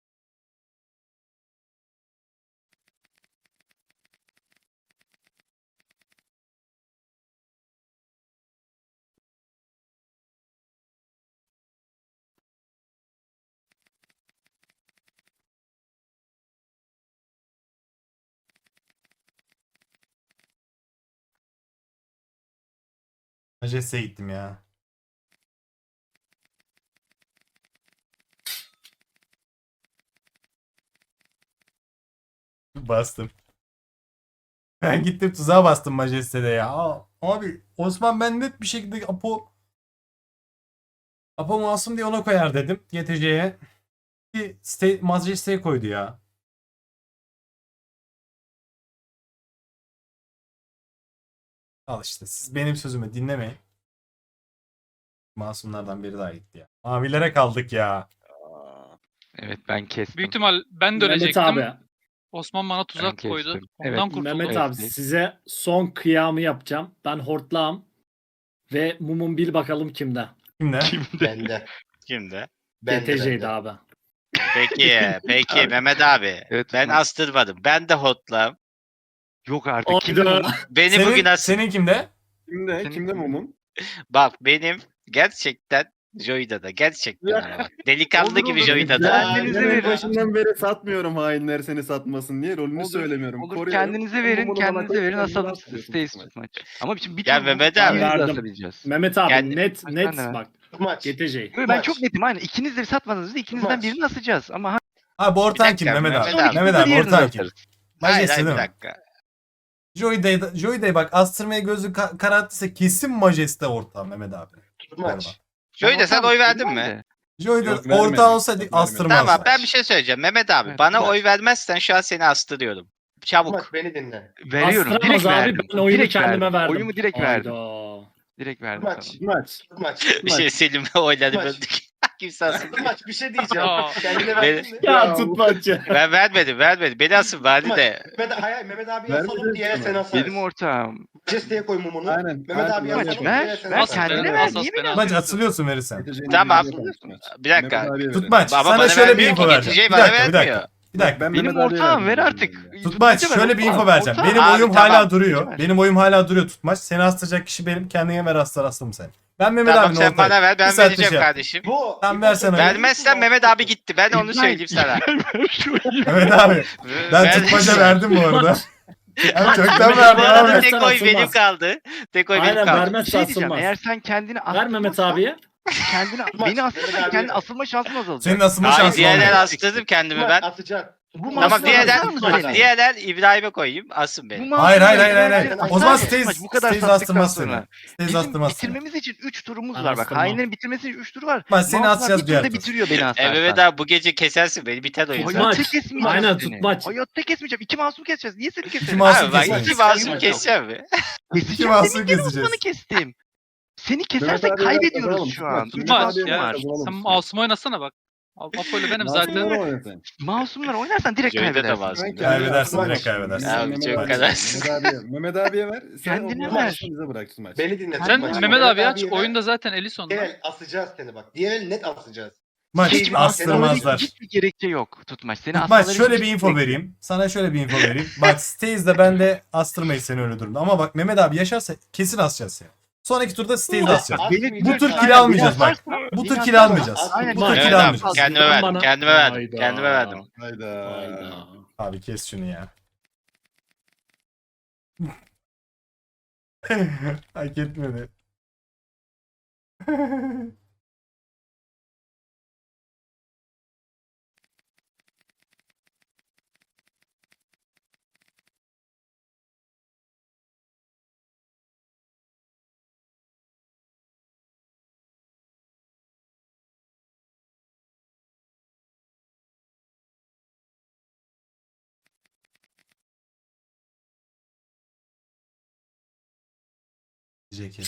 [SPEAKER 6] Majeste'ye gittim ya. Bastım. Ben gittim tuzağa bastım Majeste'de ya. Aa, abi Osman ben net bir şekilde Apo Apo masum diye ona koyar dedim G T C'ye. Bir site, Majeste'ye koydu ya. Al işte siz benim sözümü dinlemeyin. Masumlardan biri daha gitti ya. Mavilere kaldık ya.
[SPEAKER 4] Evet ben kestim.
[SPEAKER 7] Büyük ihtimal ben de
[SPEAKER 8] Mehmet
[SPEAKER 7] ölecektim.
[SPEAKER 8] abi.
[SPEAKER 7] Osman bana tuzak
[SPEAKER 4] kestim.
[SPEAKER 7] koydu. Ondan
[SPEAKER 4] Evet,
[SPEAKER 7] kurtuldum.
[SPEAKER 8] Mehmet
[SPEAKER 4] Evet,
[SPEAKER 8] abi
[SPEAKER 4] evet.
[SPEAKER 8] size son kıyamı yapacağım. Ben hortlağım. Ve mumum bil bakalım kimde.
[SPEAKER 6] Kimle?
[SPEAKER 1] Bende.
[SPEAKER 3] Kimdi?
[SPEAKER 1] Bende,
[SPEAKER 8] G T C'ydi
[SPEAKER 1] bende.
[SPEAKER 8] abi.
[SPEAKER 3] Peki, peki Mehmet abi.
[SPEAKER 4] Evet,
[SPEAKER 3] Ben
[SPEAKER 4] tutmaç.
[SPEAKER 3] astırmadım. Ben de hotlam.
[SPEAKER 4] Yok artık. Kimdi
[SPEAKER 8] Oyda.
[SPEAKER 4] bu?
[SPEAKER 3] Beni
[SPEAKER 6] Senin,
[SPEAKER 3] bugün as
[SPEAKER 6] senin kimde?
[SPEAKER 5] Kimde?
[SPEAKER 4] Senin
[SPEAKER 5] Kimde
[SPEAKER 4] kim?
[SPEAKER 5] mumun?
[SPEAKER 3] Bak benim gerçekten Joy'da da gerçekten ama bak. Delikanlı
[SPEAKER 4] Olur,
[SPEAKER 3] gibi
[SPEAKER 4] olur.
[SPEAKER 3] Joy'da da.
[SPEAKER 4] Kendinize
[SPEAKER 9] Ben en
[SPEAKER 4] verin.
[SPEAKER 9] başından beri satmıyorum hainler seni satmasın diye rolünü
[SPEAKER 4] Olur,
[SPEAKER 9] söylemiyorum.
[SPEAKER 4] Olur,
[SPEAKER 9] Koruyorum.
[SPEAKER 4] kendinize verin,
[SPEAKER 9] Bunu bana
[SPEAKER 4] kendinize
[SPEAKER 9] koy,
[SPEAKER 4] verin,
[SPEAKER 9] kendini
[SPEAKER 4] asalım
[SPEAKER 9] asıyorsun
[SPEAKER 4] Stays
[SPEAKER 9] tutmaç.
[SPEAKER 4] tutmaç. Ama şimdi bir
[SPEAKER 3] Ya
[SPEAKER 4] tur
[SPEAKER 3] Mehmet
[SPEAKER 4] bu-
[SPEAKER 3] abi.
[SPEAKER 4] ikimiz de
[SPEAKER 8] Verdim.
[SPEAKER 4] asabileceğiz.
[SPEAKER 8] Mehmet abi
[SPEAKER 3] Yani-
[SPEAKER 8] net
[SPEAKER 4] Bak,
[SPEAKER 8] net
[SPEAKER 4] ben de ver.
[SPEAKER 8] bak.
[SPEAKER 1] Tutmaç.
[SPEAKER 8] G T J.
[SPEAKER 4] Ben
[SPEAKER 1] Maç.
[SPEAKER 4] çok netim aynen. İkiniz de satmadınız da ikinizden
[SPEAKER 1] Maç.
[SPEAKER 4] birini asacağız. Ama ha-
[SPEAKER 6] Abi ortan
[SPEAKER 3] Bir
[SPEAKER 6] kim
[SPEAKER 3] dakika,
[SPEAKER 6] Mehmet abi?
[SPEAKER 3] Mehmet abi.
[SPEAKER 6] Mehmet abi
[SPEAKER 4] diğerini
[SPEAKER 6] ortan kim?
[SPEAKER 4] asarız.
[SPEAKER 3] Hayır
[SPEAKER 6] Majeste
[SPEAKER 3] hayır
[SPEAKER 6] değil
[SPEAKER 3] bir
[SPEAKER 6] mi?
[SPEAKER 3] dakika.
[SPEAKER 6] Joy Day, Joy Day bak astırmaya gözü ka- kararttıysa kesin Majeste ortağım Mehmet abi.
[SPEAKER 1] Tutmaç.
[SPEAKER 3] Joy'da sen
[SPEAKER 4] ortağım,
[SPEAKER 3] oy verdin
[SPEAKER 4] bilmem
[SPEAKER 3] mi?
[SPEAKER 4] de.
[SPEAKER 6] Joy Day
[SPEAKER 9] Yok, vermedim.
[SPEAKER 6] ortağı olsaydı
[SPEAKER 9] Yok, vermedim.
[SPEAKER 6] astırmazdı.
[SPEAKER 3] Tamam ben bir şey söyleyeceğim. Mehmet abi
[SPEAKER 4] Evet,
[SPEAKER 3] bana
[SPEAKER 1] bak.
[SPEAKER 3] oy vermezsen şu an seni astırıyorum. Çabuk.
[SPEAKER 1] Tutmaç beni dinle.
[SPEAKER 4] Veriyorum.
[SPEAKER 8] Astıramaz
[SPEAKER 4] Direkt
[SPEAKER 8] abi,
[SPEAKER 4] verdim.
[SPEAKER 8] ben oyunu
[SPEAKER 4] Direkt
[SPEAKER 8] kendime verdim.
[SPEAKER 4] Oyumu direkt verdim.
[SPEAKER 8] Hayda.
[SPEAKER 4] Direkt verdim
[SPEAKER 1] Tutmaç.
[SPEAKER 4] sana.
[SPEAKER 9] Tutmaç.
[SPEAKER 1] Tutmaç.
[SPEAKER 3] Bir şey söyleyeyim mi? Oyları
[SPEAKER 1] Maç.
[SPEAKER 3] böldük. Kimse asılmıyor.
[SPEAKER 1] Tutmaç bir şey diyeceğim.
[SPEAKER 7] Ya.
[SPEAKER 1] Kendine
[SPEAKER 3] Ben-
[SPEAKER 1] verdin mi?
[SPEAKER 8] Ya tutmaç ya.
[SPEAKER 3] Ben vermedim vermedim. Beni asın bari
[SPEAKER 1] Tutmaç.
[SPEAKER 3] de.
[SPEAKER 1] Mehmet, hayır, Mehmet abi
[SPEAKER 9] Vermedin
[SPEAKER 1] asalım diğer
[SPEAKER 9] mi?
[SPEAKER 1] seni asarız.
[SPEAKER 4] Benim ortağım.
[SPEAKER 1] Majeste'ye koy mumunu.
[SPEAKER 9] Aynen.
[SPEAKER 1] Mehmet abi
[SPEAKER 9] Aynen.
[SPEAKER 1] asalım
[SPEAKER 4] Ver,
[SPEAKER 1] diğer seni
[SPEAKER 4] ver,
[SPEAKER 1] asarız.
[SPEAKER 4] kendine
[SPEAKER 7] Ben
[SPEAKER 4] ver.
[SPEAKER 7] asas
[SPEAKER 4] Niye
[SPEAKER 7] ben
[SPEAKER 4] beni
[SPEAKER 7] asas.
[SPEAKER 6] Maç atılıyorsun verirsen.
[SPEAKER 9] Getireceğini
[SPEAKER 3] Tamam.
[SPEAKER 9] Mehmet abiye ver.
[SPEAKER 3] Bir dakika.
[SPEAKER 9] Mehmet abiye ver.
[SPEAKER 6] Tutmaç
[SPEAKER 3] Baba
[SPEAKER 6] sana
[SPEAKER 3] bana
[SPEAKER 6] şöyle bir
[SPEAKER 3] vermiyor
[SPEAKER 6] info
[SPEAKER 3] ki,
[SPEAKER 6] vereceğim.
[SPEAKER 3] Gece
[SPEAKER 6] Bir
[SPEAKER 3] bana
[SPEAKER 6] dakika bir dakika.
[SPEAKER 3] vermiyor.
[SPEAKER 6] Bir dakika.
[SPEAKER 9] Ben
[SPEAKER 4] Benim
[SPEAKER 9] Mehmet abiye
[SPEAKER 4] ortağım,
[SPEAKER 9] verdim
[SPEAKER 4] ver
[SPEAKER 9] dedim
[SPEAKER 4] artık.
[SPEAKER 9] ya.
[SPEAKER 6] Tutmaç
[SPEAKER 4] Ver
[SPEAKER 6] şöyle bir info
[SPEAKER 4] ortağım.
[SPEAKER 6] vereceğim.
[SPEAKER 4] Ortağım.
[SPEAKER 6] Benim
[SPEAKER 3] Abi,
[SPEAKER 6] oyum
[SPEAKER 3] tamam.
[SPEAKER 6] hala duruyor.
[SPEAKER 4] Ver.
[SPEAKER 6] Benim oyum hala duruyor Tutmaç. Seni astıracak kişi benim. Kendine ver astar astım sen. Ben Mehmet
[SPEAKER 3] Tamam
[SPEAKER 6] abinin
[SPEAKER 3] sen
[SPEAKER 6] ortağıyım.
[SPEAKER 3] bana ver
[SPEAKER 6] Bir
[SPEAKER 3] ben
[SPEAKER 6] saatte
[SPEAKER 3] vereceğim
[SPEAKER 6] şey yap.
[SPEAKER 3] kardeşim.
[SPEAKER 1] Bu.
[SPEAKER 6] Tamam, versene.
[SPEAKER 3] Vermezsen Mehmet abi gitti. Ben onu
[SPEAKER 4] İbrahim,
[SPEAKER 3] söyleyeyim sana.
[SPEAKER 6] Mehmet abi ben
[SPEAKER 3] Ver-
[SPEAKER 6] Tutmaç'a verdim bu arada. Ben çoktan
[SPEAKER 3] Bu
[SPEAKER 6] verdim
[SPEAKER 3] arada
[SPEAKER 6] abi.
[SPEAKER 3] tek oy
[SPEAKER 8] Asılmaz.
[SPEAKER 3] benim kaldı. Tek oy benim
[SPEAKER 8] Aynen
[SPEAKER 3] kaldı.
[SPEAKER 4] Bir
[SPEAKER 8] vermezse
[SPEAKER 4] şey diyeceğim.
[SPEAKER 8] asılmaz.
[SPEAKER 4] Eğer sen kendini
[SPEAKER 8] Ver Mehmet
[SPEAKER 4] astırmazsan-
[SPEAKER 8] abiye.
[SPEAKER 4] Kendini,
[SPEAKER 1] Tutmaç,
[SPEAKER 4] beni astırsan
[SPEAKER 1] Mehmet
[SPEAKER 4] kendi
[SPEAKER 1] abiye.
[SPEAKER 4] asılma şansın azalacak.
[SPEAKER 6] Senin asılma
[SPEAKER 3] Hayır
[SPEAKER 6] şansın
[SPEAKER 3] diğerler
[SPEAKER 6] olmuyor.
[SPEAKER 3] astırdım kendimi
[SPEAKER 1] Tutmaç
[SPEAKER 3] ben.
[SPEAKER 1] atacaksın.
[SPEAKER 4] Bu
[SPEAKER 1] Tutmaç.
[SPEAKER 3] Tamam
[SPEAKER 4] Aslan
[SPEAKER 3] diğerler,
[SPEAKER 4] asar mısın seni?
[SPEAKER 3] diğerler İbrahim'e koyayım asın
[SPEAKER 4] Bu
[SPEAKER 3] beni.
[SPEAKER 4] masum
[SPEAKER 6] Hayır hayır hayır
[SPEAKER 4] değil.
[SPEAKER 6] hayır. hayır.
[SPEAKER 1] Asar
[SPEAKER 6] O zaman
[SPEAKER 1] mısın?
[SPEAKER 6] Stays,
[SPEAKER 4] Bu kadar
[SPEAKER 6] Stays
[SPEAKER 4] sattıktan
[SPEAKER 6] astırmaz
[SPEAKER 4] sonra.
[SPEAKER 6] seni. Stays
[SPEAKER 4] Bizim
[SPEAKER 6] astırmaz seni.
[SPEAKER 4] bitirmemiz için üç turumuz
[SPEAKER 8] Ben
[SPEAKER 4] var bak.
[SPEAKER 8] astırmam.
[SPEAKER 4] Hainlerin bitirmesi için üç tur var.
[SPEAKER 6] Bak seni
[SPEAKER 4] Masumlar
[SPEAKER 6] asacağız
[SPEAKER 4] bir
[SPEAKER 6] diğer
[SPEAKER 4] turda
[SPEAKER 6] tur.
[SPEAKER 4] bitiriyor beni asarsan.
[SPEAKER 3] E Mehmet abi bu gece kesersin beni biter oyun zaten.
[SPEAKER 8] Tutmaç.
[SPEAKER 4] Hayatta kesmeyeceğim
[SPEAKER 8] Aynen,
[SPEAKER 4] seni.
[SPEAKER 8] tutmaç.
[SPEAKER 4] Hayatta kesmeyeceğim. İki masum keseceğiz. Niye seni keselim?
[SPEAKER 6] masum
[SPEAKER 3] Abi bak
[SPEAKER 6] keseceğiz.
[SPEAKER 3] iki masum keseceğim mi?
[SPEAKER 4] Keseceğim.
[SPEAKER 6] İki masum
[SPEAKER 4] Senin gene
[SPEAKER 6] keseceğiz.
[SPEAKER 4] Osman'ı kestim. Seni
[SPEAKER 9] Mehmet
[SPEAKER 4] kesersek
[SPEAKER 9] abiye ver,
[SPEAKER 4] kaybediyoruz
[SPEAKER 9] kazanalım.
[SPEAKER 4] şu an.
[SPEAKER 9] Tutmaç,
[SPEAKER 4] Üç
[SPEAKER 7] Maç
[SPEAKER 9] Mehmet abiye
[SPEAKER 7] ya.
[SPEAKER 9] ver,
[SPEAKER 4] masum var.
[SPEAKER 9] kazanalım.
[SPEAKER 7] Sen masum oynasana bak. Al- Apo'yla benim zaten.
[SPEAKER 9] Masumlar oynasın.
[SPEAKER 4] Masumlar oynarsan direkt
[SPEAKER 3] Joy'da da
[SPEAKER 4] kaybedersin.
[SPEAKER 3] masum.
[SPEAKER 6] Kaybedersin,
[SPEAKER 9] Tutmaç.
[SPEAKER 6] direkt kaybedersin.
[SPEAKER 3] Ya,
[SPEAKER 9] Mehmet
[SPEAKER 3] çok
[SPEAKER 9] abiye-
[SPEAKER 3] kadar.
[SPEAKER 9] Mehmet abiye, Mehmet abiye ver. Sen
[SPEAKER 4] Kendine
[SPEAKER 9] o
[SPEAKER 4] ver.
[SPEAKER 9] masum bize bırak Tutmaç.
[SPEAKER 1] Beni dinle.
[SPEAKER 7] Sen
[SPEAKER 1] Tutmaç.
[SPEAKER 7] Mehmet abi aç.
[SPEAKER 1] abiye ver.
[SPEAKER 7] Oyunda zaten Elison'da.
[SPEAKER 1] Diğer el asacağız seni bak. Diğer el net asacağız.
[SPEAKER 6] Maç
[SPEAKER 1] Hiç
[SPEAKER 6] astırmazlar.
[SPEAKER 4] Hiçbir gerekçe yok Tutmaç. Seni
[SPEAKER 6] Maç
[SPEAKER 4] asmaları
[SPEAKER 6] şöyle
[SPEAKER 4] hiç
[SPEAKER 6] bir info
[SPEAKER 4] gerek-
[SPEAKER 6] vereyim. Sana şöyle bir info vereyim. Bak Stays'de ben de astırmayız seni öyle durumda. Ama bak Mehmet abi yaşarsa kesin asacağız seni. Sonraki turda Stays'de asacağız.
[SPEAKER 4] Beni-
[SPEAKER 6] Bu tur
[SPEAKER 4] Aynen,
[SPEAKER 6] kill almayacağız bak.
[SPEAKER 4] beni
[SPEAKER 6] Bu tur
[SPEAKER 4] asarsan-
[SPEAKER 6] kill almayacağız.
[SPEAKER 4] Aynen,
[SPEAKER 6] Bu tur
[SPEAKER 8] Maç.
[SPEAKER 3] Evet
[SPEAKER 6] kill
[SPEAKER 3] abi,
[SPEAKER 6] almayacağız.
[SPEAKER 3] kendime
[SPEAKER 8] Bana-
[SPEAKER 3] verdim. Kendime verdim.
[SPEAKER 8] Hayda.
[SPEAKER 3] Kendime verdim.
[SPEAKER 9] Hayda.
[SPEAKER 8] Hayda.
[SPEAKER 6] Abi kes şunu ya. Hak etmedi. Kes.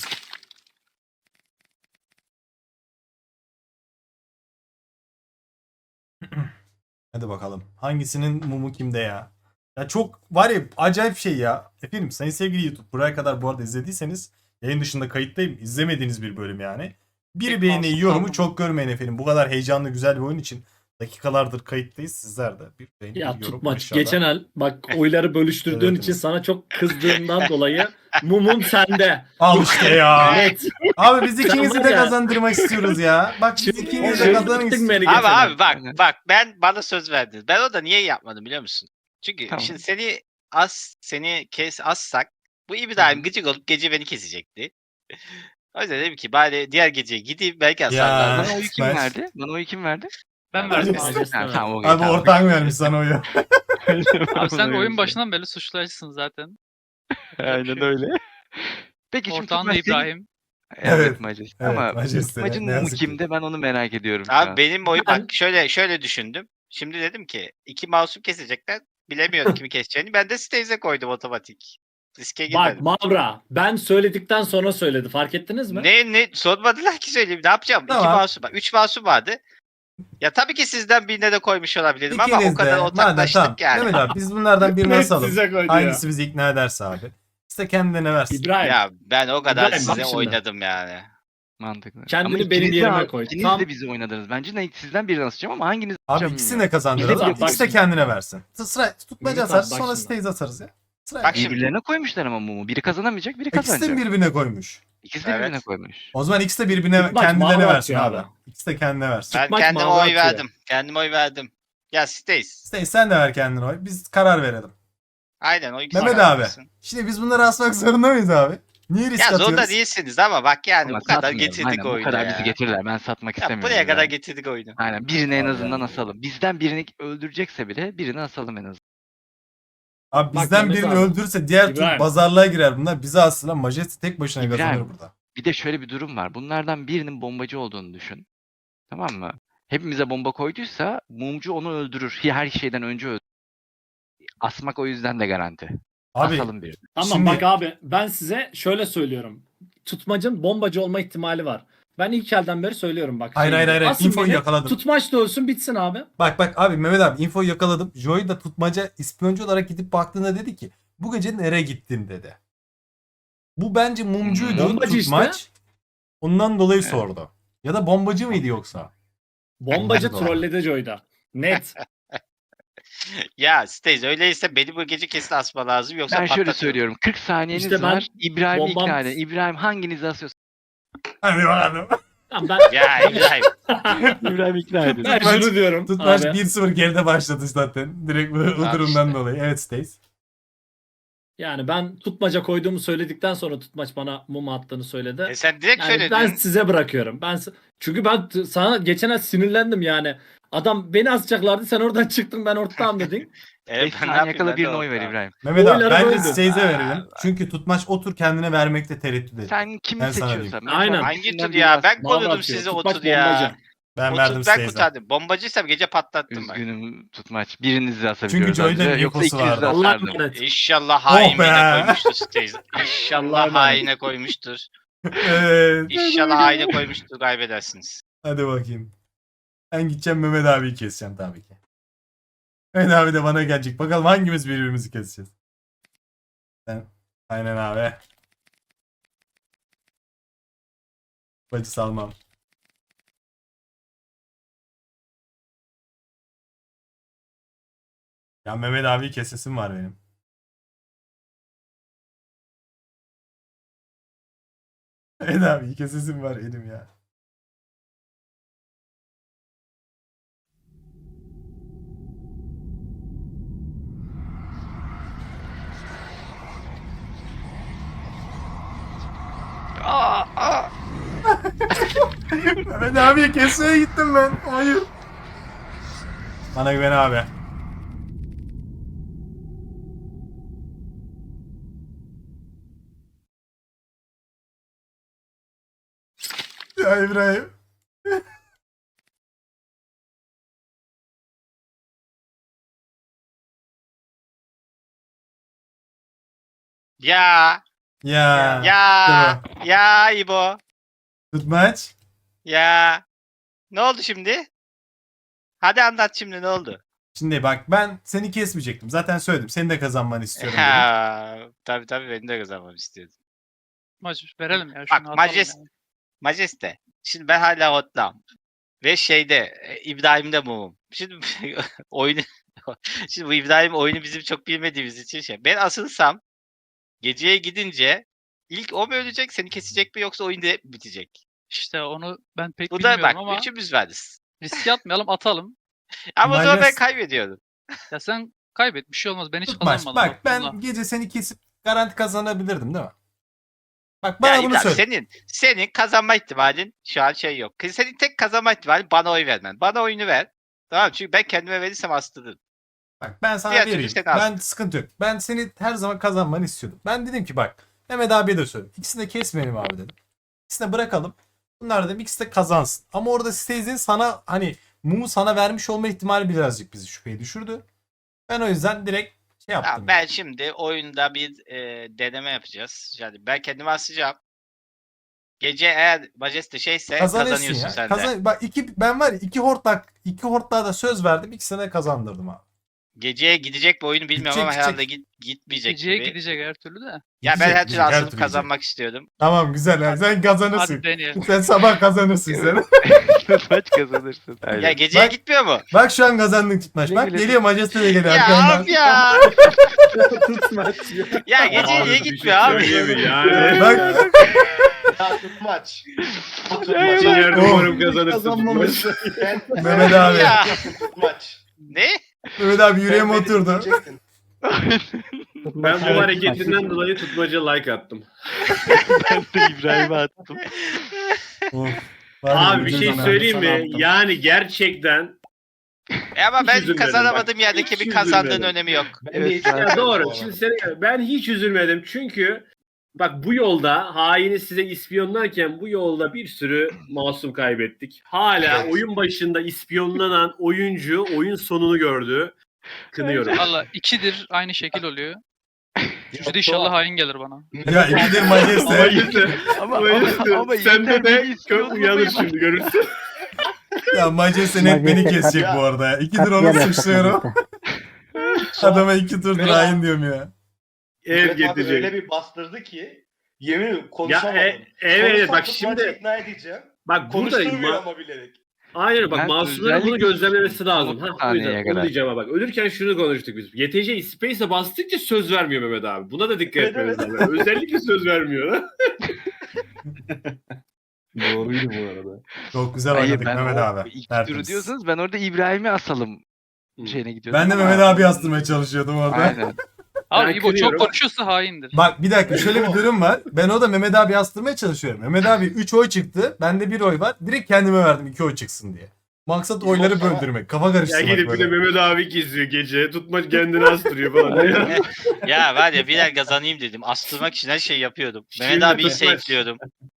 [SPEAKER 6] Hadi bakalım. Hangisinin mumu kimde ya? Ya çok var ya acayip şey ya. Efendim sayın sevgili YouTube buraya kadar bu arada izlediyseniz yayın dışında kayıttayım. İzlemediğiniz bir bölüm yani. Bir
[SPEAKER 7] Tek
[SPEAKER 6] beğeni
[SPEAKER 7] masum
[SPEAKER 6] yorumu
[SPEAKER 7] kaldı.
[SPEAKER 6] çok görmeyin efendim. Bu kadar heyecanlı güzel bir oyun için dakikalardır kayıttayız. Sizler de bir beğeni
[SPEAKER 8] Ya
[SPEAKER 6] bir yorum
[SPEAKER 8] Tutmaç
[SPEAKER 6] aşağıda.
[SPEAKER 8] geçen el bak oyları bölüştürdüğün
[SPEAKER 6] Evet,
[SPEAKER 8] için
[SPEAKER 6] evet.
[SPEAKER 8] sana çok kızdığımdan dolayı mumum sende.
[SPEAKER 6] Al işte ya.
[SPEAKER 8] Net.
[SPEAKER 6] Abi biz ikinizi
[SPEAKER 8] var
[SPEAKER 6] de
[SPEAKER 8] ya.
[SPEAKER 6] kazandırmak istiyoruz ya. Bak biz
[SPEAKER 8] Şimdi
[SPEAKER 6] ikinizi de
[SPEAKER 8] şey
[SPEAKER 6] kazanmak
[SPEAKER 8] yaptın
[SPEAKER 6] istiyoruz.
[SPEAKER 8] beni
[SPEAKER 3] Abi
[SPEAKER 8] geçen el.
[SPEAKER 3] abi bak
[SPEAKER 4] Aynen.
[SPEAKER 3] bak ben bana söz verdin. Ben o da niye yapmadım biliyor musun? Çünkü
[SPEAKER 4] Tamam.
[SPEAKER 3] şimdi seni as seni kes assak bu İbrahim gıcık olup gece beni kesecekti. O yüzden dedim ki bari diğer gece gideyim belki asarlar.
[SPEAKER 4] Bana oyu kim
[SPEAKER 6] Ben-
[SPEAKER 4] verdi? Bana oyu kim verdi?
[SPEAKER 7] Ben
[SPEAKER 8] Verdim
[SPEAKER 7] verdim
[SPEAKER 8] abi.
[SPEAKER 7] abi.
[SPEAKER 4] Ha, tamam, okey,
[SPEAKER 6] Abi
[SPEAKER 4] tamam.
[SPEAKER 6] ortağın vermiş sana oyu.
[SPEAKER 7] Abi sen
[SPEAKER 4] Bana
[SPEAKER 7] oyun
[SPEAKER 4] oyu
[SPEAKER 7] başından beri suçlayıcısın zaten.
[SPEAKER 4] Aynen öyle. Peki şimdi
[SPEAKER 7] Ortağın da
[SPEAKER 4] Tutmaç senin-
[SPEAKER 7] İbrahim.
[SPEAKER 4] Evet,
[SPEAKER 6] Evet,
[SPEAKER 4] Majeste.
[SPEAKER 6] evet,
[SPEAKER 4] Ama
[SPEAKER 6] Majeste,
[SPEAKER 4] Tutmaç'ın
[SPEAKER 6] ne
[SPEAKER 4] mumu
[SPEAKER 6] yazık ki.
[SPEAKER 4] kimde ben onu merak ediyorum şu
[SPEAKER 3] Abi
[SPEAKER 4] an.
[SPEAKER 3] benim oyu
[SPEAKER 8] Ben-
[SPEAKER 3] bak şöyle şöyle düşündüm. Şimdi dedim ki iki masum kesecekler. Bilemiyorum kimi keseceğini. Ben de Staves'e koydum otomatik. Riske
[SPEAKER 8] Bak
[SPEAKER 3] girmedim.
[SPEAKER 8] Mavra ben söyledikten sonra söyledi fark ettiniz mi?
[SPEAKER 3] Ne ne sormadılar ki söyleyeyim. Ne yapacağım?
[SPEAKER 6] Tamam.
[SPEAKER 3] İki masum var. Üç masum vardı. Ya tabii ki sizden birine de koymuş olabilirim ama o
[SPEAKER 6] İkiniz
[SPEAKER 3] kadar
[SPEAKER 6] de. Madem
[SPEAKER 3] ortaklaştık
[SPEAKER 6] tamam.
[SPEAKER 3] yani.
[SPEAKER 6] Mehmet abi biz bunlardan birini
[SPEAKER 8] Net
[SPEAKER 6] asalım.
[SPEAKER 8] size koydu ya.
[SPEAKER 6] Hangisi bizi ikna ederse abi. İşte kendine versin.
[SPEAKER 8] İbrahim
[SPEAKER 3] Ya ben o kadar
[SPEAKER 8] İbrahim, bak
[SPEAKER 3] size
[SPEAKER 8] şimdi.
[SPEAKER 3] oynadım yani.
[SPEAKER 4] Mantıklı.
[SPEAKER 8] Kendini
[SPEAKER 4] Ama
[SPEAKER 8] benim
[SPEAKER 4] ikiniz de-
[SPEAKER 8] yerime koy.
[SPEAKER 4] İkiniz
[SPEAKER 8] Tam-
[SPEAKER 4] de bizi oynadınız. Bence ne sizden birini asacağım ama hanginiz
[SPEAKER 6] Abi
[SPEAKER 4] asacağım
[SPEAKER 6] ikisini
[SPEAKER 4] bilmiyorum.
[SPEAKER 6] de kazandıralım.
[SPEAKER 8] Bak, bak
[SPEAKER 6] İkisi de
[SPEAKER 8] şimdi.
[SPEAKER 6] kendine versin. Sıra tutmaca
[SPEAKER 8] Mehmet abi,
[SPEAKER 6] atarız
[SPEAKER 8] bak
[SPEAKER 6] sonra
[SPEAKER 8] şimdi.
[SPEAKER 6] stays atarız ya. Sıra
[SPEAKER 3] Bak şimdi.
[SPEAKER 4] Birbirlerine koymuşlar ama mumu. Biri kazanamayacak, biri
[SPEAKER 6] İkisi de
[SPEAKER 4] kazanacak.
[SPEAKER 6] birbirine koymuş.
[SPEAKER 4] İkisi de birbirine
[SPEAKER 3] Evet.
[SPEAKER 4] koymuş.
[SPEAKER 6] O zaman ikisi de birbirine
[SPEAKER 8] Tutmaç
[SPEAKER 6] kendilerine
[SPEAKER 8] mavi
[SPEAKER 6] versin
[SPEAKER 8] atıyor
[SPEAKER 6] abi.
[SPEAKER 8] abi.
[SPEAKER 6] İkisi de kendine versin.
[SPEAKER 3] Ben
[SPEAKER 8] Çıkmak
[SPEAKER 3] kendime
[SPEAKER 8] mavi
[SPEAKER 3] oy
[SPEAKER 8] atıyor.
[SPEAKER 3] verdim. Kendime oy verdim. Ya Stace.
[SPEAKER 6] İşte sen de ver kendine oy. Biz karar verelim.
[SPEAKER 3] Aynen o ikisi
[SPEAKER 6] Mehmet
[SPEAKER 3] karar
[SPEAKER 6] abi.
[SPEAKER 3] versin.
[SPEAKER 6] Şimdi biz bunları asmak zorunda mıyız abi? Niye risk
[SPEAKER 3] Ya
[SPEAKER 6] atıyoruz?
[SPEAKER 3] zorunda değilsiniz ama bak yani
[SPEAKER 4] Ama
[SPEAKER 3] bu kadar
[SPEAKER 4] satmayalım.
[SPEAKER 3] getirdik
[SPEAKER 4] Aynen,
[SPEAKER 3] oyunu
[SPEAKER 4] bu kadar
[SPEAKER 3] ya.
[SPEAKER 4] bizi getirirler. Ben satmak
[SPEAKER 3] Ya
[SPEAKER 4] istemiyorum.
[SPEAKER 3] buraya kadar
[SPEAKER 4] ya.
[SPEAKER 3] getirdik oyunu.
[SPEAKER 4] Aynen birini en
[SPEAKER 6] Allah
[SPEAKER 4] azından
[SPEAKER 6] Allah.
[SPEAKER 4] asalım. Bizden birini öldürecekse bile birini asalım en azından.
[SPEAKER 6] Abi
[SPEAKER 8] Bak
[SPEAKER 6] bizden
[SPEAKER 8] Mehmet
[SPEAKER 6] birini
[SPEAKER 8] abi.
[SPEAKER 6] öldürürse diğer tür
[SPEAKER 8] İbrahim.
[SPEAKER 6] pazarlığa girer bunlar. Bizi aslında Majesty tek başına
[SPEAKER 4] İbrahim.
[SPEAKER 6] kazanır burada.
[SPEAKER 4] Bir de şöyle bir durum var. Bunlardan birinin bombacı olduğunu düşün. Tamam mı? Hepimize bomba koyduysa mumcu onu öldürür. Her şeyden önce öldürür. Asmak o yüzden de garanti.
[SPEAKER 6] Abi
[SPEAKER 4] Asalım birini.
[SPEAKER 8] Tamam
[SPEAKER 6] Şimdi-
[SPEAKER 8] bak abi ben size şöyle söylüyorum. Tutmacın bombacı olma ihtimali var. Ben ilk elden beri söylüyorum bak.
[SPEAKER 6] Hayır,
[SPEAKER 8] Şey
[SPEAKER 6] hayır,
[SPEAKER 8] gibi,
[SPEAKER 6] hayır.
[SPEAKER 8] asın
[SPEAKER 6] İnfoyu
[SPEAKER 8] beni,
[SPEAKER 6] yakaladım.
[SPEAKER 8] Tutmaç da ölsün bitsin abi.
[SPEAKER 6] bak bak abi Mehmet abi infoyu yakaladım. Joey da tutmaca ispiyoncu olarak gidip baktığında dedi ki bu gece nereye gittin dedi. Bu bence mumcuydu
[SPEAKER 8] Bombacı
[SPEAKER 6] tutmaç. Ondan dolayı
[SPEAKER 4] Evet.
[SPEAKER 6] sordu. Ya da bombacı mıydı yoksa?
[SPEAKER 8] Bombacı
[SPEAKER 6] Doğru.
[SPEAKER 8] trolledi Joy'da. Net.
[SPEAKER 3] Ya Stace öyleyse beni bu gece kesin asma lazım yoksa
[SPEAKER 4] Ben şöyle
[SPEAKER 3] patlatırım.
[SPEAKER 4] söylüyorum. kırk saniyeniz
[SPEAKER 8] İşte ben
[SPEAKER 4] var. İbrahim'i
[SPEAKER 8] bombam-
[SPEAKER 4] ikna edin. İbrahim hanginizi asıyorsa
[SPEAKER 6] Hadi bakalım.
[SPEAKER 8] Tamam, ben,
[SPEAKER 3] Ya İbrahim.
[SPEAKER 4] İbrahim'i ikna edin.
[SPEAKER 8] ben
[SPEAKER 6] Tutmaç-
[SPEAKER 8] şunu diyorum
[SPEAKER 6] Tutmaç
[SPEAKER 8] abi.
[SPEAKER 6] bir sıfır geride başladı zaten. Direkt bu, bu
[SPEAKER 3] Abi
[SPEAKER 6] durumdan
[SPEAKER 3] işte.
[SPEAKER 6] dolayı. Evet Stace.
[SPEAKER 8] Yani ben tutmaca koyduğumu söyledikten sonra tutmaç bana mum attığını söyledi.
[SPEAKER 3] E sen direkt
[SPEAKER 8] Yani
[SPEAKER 3] söyledin.
[SPEAKER 8] ben size bırakıyorum. Ben s- çünkü ben t- sana geçen ay sinirlendim yani. Adam beni asacaklardı sen oradan çıktın ben ortağım dedin.
[SPEAKER 3] Evet,
[SPEAKER 4] beş
[SPEAKER 3] ben ne
[SPEAKER 4] saniye
[SPEAKER 3] yapayım,
[SPEAKER 4] kala
[SPEAKER 3] ben de
[SPEAKER 4] birine oy ver
[SPEAKER 3] ortağım.
[SPEAKER 4] İbrahim.
[SPEAKER 6] Mehmet abi
[SPEAKER 8] Oyları
[SPEAKER 6] bence
[SPEAKER 8] böldüm.
[SPEAKER 6] Stace'e
[SPEAKER 3] Aa,
[SPEAKER 6] verelim. Çünkü tutmaç o tur kendine vermekte tereddüt ediyor.
[SPEAKER 4] Sen kimi
[SPEAKER 6] Ben sana
[SPEAKER 4] seçiyorsan.
[SPEAKER 6] diyeyim.
[SPEAKER 8] Aynen.
[SPEAKER 3] Hangi
[SPEAKER 4] ikisinden
[SPEAKER 3] tur
[SPEAKER 4] birini
[SPEAKER 3] ya?
[SPEAKER 4] as.
[SPEAKER 3] Ben
[SPEAKER 8] Mavi
[SPEAKER 3] korudum
[SPEAKER 8] atıyor.
[SPEAKER 3] sizi o
[SPEAKER 8] Tutmaç
[SPEAKER 3] tur ya.
[SPEAKER 8] bombacı.
[SPEAKER 6] Ben
[SPEAKER 3] O
[SPEAKER 6] verdim
[SPEAKER 3] tur ben
[SPEAKER 6] Stace'e.
[SPEAKER 3] kurtardım. Bombacıysam gece patlattım ben.
[SPEAKER 4] Üzgünüm tutmaç. Birinizi asabiliyoruz.
[SPEAKER 6] Joy'da
[SPEAKER 4] anca.
[SPEAKER 6] bir
[SPEAKER 4] Yoksa
[SPEAKER 6] infosu
[SPEAKER 4] ikinizi de
[SPEAKER 6] vardı.
[SPEAKER 8] Allah
[SPEAKER 4] asardım.
[SPEAKER 8] emanet.
[SPEAKER 3] İnşallah
[SPEAKER 6] Oh
[SPEAKER 3] hain
[SPEAKER 6] be.
[SPEAKER 3] birine koymuştur Stace.
[SPEAKER 8] Allah'a
[SPEAKER 3] İnşallah
[SPEAKER 8] emanet.
[SPEAKER 3] haine koymuştur.
[SPEAKER 6] Evet.
[SPEAKER 3] İnşallah haine koymuştur kaybedersiniz.
[SPEAKER 6] Hadi bakayım. Ben gideceğim Mehmet abiyi keseceğim tabii ki. Mehmet abi de bana gelecek. Bakalım hangimiz birbirimizi keseceğiz. Ben... Aynen abi. Bacı salmam. Ya Mehmet abi kesesim var benim. Mehmet abi kesesim var benim ya.
[SPEAKER 4] Aa, aa.
[SPEAKER 6] Mehmet abiyi kesmeye gittim ben. Hayır. Bana güven abi. Ya İbrahim.
[SPEAKER 3] Ya
[SPEAKER 6] Ya.
[SPEAKER 3] ya
[SPEAKER 6] Dur.
[SPEAKER 3] ya İbo.
[SPEAKER 6] Tutmaç.
[SPEAKER 3] Ya. Ne oldu şimdi? Hadi anlat şimdi ne oldu?
[SPEAKER 6] Şimdi bak ben seni kesmeyecektim. Zaten söyledim. Seni de kazanmanı istiyorum dedim.
[SPEAKER 3] Ha, tabii tabii beni de kazanmamı istiyordum.
[SPEAKER 7] Maç verelim ya.
[SPEAKER 3] Bak,
[SPEAKER 7] Şunu atalım
[SPEAKER 3] Majes-
[SPEAKER 7] ya.
[SPEAKER 3] Majeste. Şimdi ben hala hotlam. Ve şeyde e, İbrahim'de mumum. Şimdi oyunu şimdi bu İbrahim oyunu bizim çok bilmediğimiz için şey. Ben asılsam geceye gidince ilk o mu ölecek seni kesecek mi yoksa oyun direkt mi bitecek?
[SPEAKER 7] İşte onu ben pek
[SPEAKER 3] Bu da
[SPEAKER 7] bilmiyorum
[SPEAKER 3] bak
[SPEAKER 7] ama
[SPEAKER 3] üçümüz varız.
[SPEAKER 7] riske atmayalım atalım.
[SPEAKER 3] Ama o zaman ben
[SPEAKER 6] Majes-
[SPEAKER 3] kaybediyorum.
[SPEAKER 7] Ya sen kaybet bir şey olmaz. Ben hiç
[SPEAKER 6] Tutmaç.
[SPEAKER 7] kazanmadım.
[SPEAKER 6] Bak ben
[SPEAKER 7] bununla.
[SPEAKER 6] gece seni kesip garanti kazanabilirdim değil mi? Bak bana
[SPEAKER 3] Ya
[SPEAKER 6] bunu
[SPEAKER 3] İbrahim,
[SPEAKER 6] söyle.
[SPEAKER 3] senin senin kazanma ihtimalin şu an şey yok. Senin tek kazanma ihtimalin bana oy vermen. Bana oyunu ver. Tamam mı? Çünkü ben kendime verirsem astırırım.
[SPEAKER 6] Bak ben sana
[SPEAKER 3] Diğer türlü
[SPEAKER 6] vereyim.
[SPEAKER 3] seni
[SPEAKER 6] Ben
[SPEAKER 3] alsın.
[SPEAKER 6] sıkıntı yok. Ben seni her zaman kazanmanı istiyordum. Ben dedim ki bak Mehmet abiye de söyledim. İkisini de kesmeyelim abi dedim. İkisini de bırakalım. Bunlar dedim ikisi de kazansın. Ama orada Stace'in sana hani mumu sana vermiş olma ihtimali birazcık bizi şüpheye düşürdü. Ben o yüzden direkt şey
[SPEAKER 3] Ya
[SPEAKER 6] yaptım.
[SPEAKER 3] ben şimdi oyunda bir e, deneme yapacağız. Yani ben kendimi asacağım. Gece eğer Majeste şeyse
[SPEAKER 6] Kazanırsın
[SPEAKER 3] kazanıyorsun
[SPEAKER 6] ya.
[SPEAKER 3] sen de.
[SPEAKER 6] Kazan bak iki ben var ya iki hortlak iki hortlağa da söz verdim. İkisine de kazandırdım abi.
[SPEAKER 3] Geceye gidecek bu oyunu bilmiyorum
[SPEAKER 6] Gidecek,
[SPEAKER 3] ama herhalde
[SPEAKER 6] gidecek.
[SPEAKER 3] git, gitmeyecek
[SPEAKER 7] Geceye
[SPEAKER 3] gibi.
[SPEAKER 7] gidecek her türlü de.
[SPEAKER 3] Ya
[SPEAKER 6] Gidecek,
[SPEAKER 3] ben her türlü
[SPEAKER 6] gidecek, her
[SPEAKER 3] asılıp
[SPEAKER 6] türlü
[SPEAKER 3] kazanmak istiyordum.
[SPEAKER 6] Tamam güzel. Yani sen kazanırsın.
[SPEAKER 7] Hadi deneyelim.
[SPEAKER 6] Sen sabah kazanırsın sen.
[SPEAKER 4] Tutmaç kazanırsın.
[SPEAKER 3] Ya
[SPEAKER 4] Aynen.
[SPEAKER 3] geceye
[SPEAKER 6] Bak-
[SPEAKER 3] gitmiyor mu?
[SPEAKER 6] Bak şu an kazandın tutmaç.
[SPEAKER 4] Güle
[SPEAKER 6] Bak
[SPEAKER 4] güle.
[SPEAKER 6] geliyor Majeste de geliyor
[SPEAKER 3] Ya
[SPEAKER 6] arkandan.
[SPEAKER 3] abi ya.
[SPEAKER 8] Tutmaç ya.
[SPEAKER 3] Ya geceye
[SPEAKER 2] Abi
[SPEAKER 3] niye
[SPEAKER 2] bir şey
[SPEAKER 3] gitmiyor abi?
[SPEAKER 2] söyleyeyim mi? Yani.
[SPEAKER 6] Bak
[SPEAKER 1] Ya tutmaç.
[SPEAKER 2] İkinci
[SPEAKER 1] Tutmaç.
[SPEAKER 2] yerde
[SPEAKER 6] Oh.
[SPEAKER 2] umarım kazanırsın.
[SPEAKER 9] Kazanmamış.
[SPEAKER 1] Ben,
[SPEAKER 6] Mehmet abi.
[SPEAKER 3] Ya.
[SPEAKER 1] Tutmaç.
[SPEAKER 3] Ne?
[SPEAKER 6] Mehmet abi yüreğime
[SPEAKER 1] Sen beni
[SPEAKER 6] oturdu.
[SPEAKER 1] dinleyecektin.
[SPEAKER 2] Ben bu hareketinden dolayı tutmaca like attım.
[SPEAKER 4] Ben de İbrahim'e attım.
[SPEAKER 6] Of. Var ya,
[SPEAKER 2] Abi bir
[SPEAKER 6] ucuz
[SPEAKER 2] şey
[SPEAKER 6] ana.
[SPEAKER 2] söyleyeyim
[SPEAKER 8] Sana
[SPEAKER 2] mi?
[SPEAKER 8] attım.
[SPEAKER 2] Yani gerçekten
[SPEAKER 3] E ama
[SPEAKER 2] Hiç
[SPEAKER 3] ben
[SPEAKER 2] üzülmedim
[SPEAKER 3] kazanamadığım
[SPEAKER 2] bak.
[SPEAKER 3] yerdeki
[SPEAKER 2] Hiç
[SPEAKER 3] bir kazandığın
[SPEAKER 2] üzülmedim.
[SPEAKER 3] önemi yok.
[SPEAKER 1] Ben
[SPEAKER 4] Evet,
[SPEAKER 1] de hiç
[SPEAKER 4] ya
[SPEAKER 2] ya
[SPEAKER 1] yapmadım bu
[SPEAKER 2] doğru.
[SPEAKER 1] arada.
[SPEAKER 2] Şimdi seni, ben hiç üzülmedim çünkü bak bu yolda haini size ispiyonlarken bu yolda bir sürü masum kaybettik. Hala
[SPEAKER 1] Evet.
[SPEAKER 2] oyun başında ispiyonlanan oyuncu oyun sonunu gördü. Kınıyorum.
[SPEAKER 7] Valla ikidir aynı şekil oluyor. Üçü de
[SPEAKER 1] Yok,
[SPEAKER 7] inşallah
[SPEAKER 1] Suat.
[SPEAKER 7] hain gelir bana.
[SPEAKER 6] Ya ikidir
[SPEAKER 2] Ama
[SPEAKER 6] Majeste.
[SPEAKER 2] işte,
[SPEAKER 4] Ama,
[SPEAKER 2] ama
[SPEAKER 4] ama,
[SPEAKER 2] işte
[SPEAKER 4] ama
[SPEAKER 2] sende
[SPEAKER 4] yeter,
[SPEAKER 2] de
[SPEAKER 4] beni
[SPEAKER 2] kök
[SPEAKER 4] istiyorsun
[SPEAKER 2] uyanır
[SPEAKER 4] ama-
[SPEAKER 2] şimdi görürsün.
[SPEAKER 6] Ya Majeste net beni kesecek bu arada ya. İkidir onu suçluyorum. Adama iki turdur
[SPEAKER 1] Ya.
[SPEAKER 6] hain diyorum ya.
[SPEAKER 2] Ev
[SPEAKER 1] Mehmet abi
[SPEAKER 2] getirecek.
[SPEAKER 1] öyle bir bastırdı ki yemin ederim
[SPEAKER 2] Ya
[SPEAKER 1] konuşamadım.
[SPEAKER 2] e, evet
[SPEAKER 1] Konuşsam
[SPEAKER 2] bak
[SPEAKER 1] tutmaçı
[SPEAKER 2] şimdi
[SPEAKER 1] ikna edeceğim.
[SPEAKER 2] bak burada
[SPEAKER 1] Konuşturmuyor
[SPEAKER 2] ma-
[SPEAKER 1] ama bilerek.
[SPEAKER 2] aynen bak
[SPEAKER 4] Ben
[SPEAKER 2] masumların bunu
[SPEAKER 4] özellikle
[SPEAKER 2] gözlemlemesi lazım.
[SPEAKER 4] otuz
[SPEAKER 2] Ha, o
[SPEAKER 4] saniyeye
[SPEAKER 2] yüzden onu
[SPEAKER 4] kadar.
[SPEAKER 2] diyeceğim ama bak ölürken şunu konuştuk biz. Y T C Space'e bastıkça söz vermiyor Mehmet abi. Buna da dikkat
[SPEAKER 1] Evet,
[SPEAKER 2] etmemiz
[SPEAKER 1] evet.
[SPEAKER 2] lazım. Özellikle söz vermiyor.
[SPEAKER 5] Doğruydu bu arada.
[SPEAKER 6] Çok güzel
[SPEAKER 4] Hayır,
[SPEAKER 6] oynadık
[SPEAKER 4] ben
[SPEAKER 6] Mehmet
[SPEAKER 4] o
[SPEAKER 6] abi.
[SPEAKER 4] iki turu
[SPEAKER 6] Tertemiz.
[SPEAKER 4] diyorsanız ben orada İbrahim'i asalım şeyine gidiyordum.
[SPEAKER 6] Ben de
[SPEAKER 4] ama-
[SPEAKER 6] Mehmet abi yastırmaya çalışıyordum orada.
[SPEAKER 4] Aynen.
[SPEAKER 7] Abi
[SPEAKER 2] Ben
[SPEAKER 7] İbo çok
[SPEAKER 2] kırıyorum.
[SPEAKER 7] konuşuyorsa haindir.
[SPEAKER 6] Bak bir dakika şöyle bir durum var. Ben o da Mehmet abi yastırmaya çalışıyorum. Mehmet abi üç oy çıktı. Bende bir oy var. Direkt kendime verdim iki oy çıksın diye. Maksat oyları
[SPEAKER 1] sana-
[SPEAKER 6] böldürmek. Kafa
[SPEAKER 2] Ya
[SPEAKER 6] karıştırmak
[SPEAKER 2] gidip bir de
[SPEAKER 6] böyle.
[SPEAKER 2] Mehmet abi geziyor gece. Tutmaç kendini astırıyor falan. Ya.
[SPEAKER 3] Ya var ya birer kazanayım dedim. Astırmak için her şeyi yapıyordum. Mehmet
[SPEAKER 2] Şimdi
[SPEAKER 3] abiyi
[SPEAKER 2] tutmaç.
[SPEAKER 3] safe'liyordum.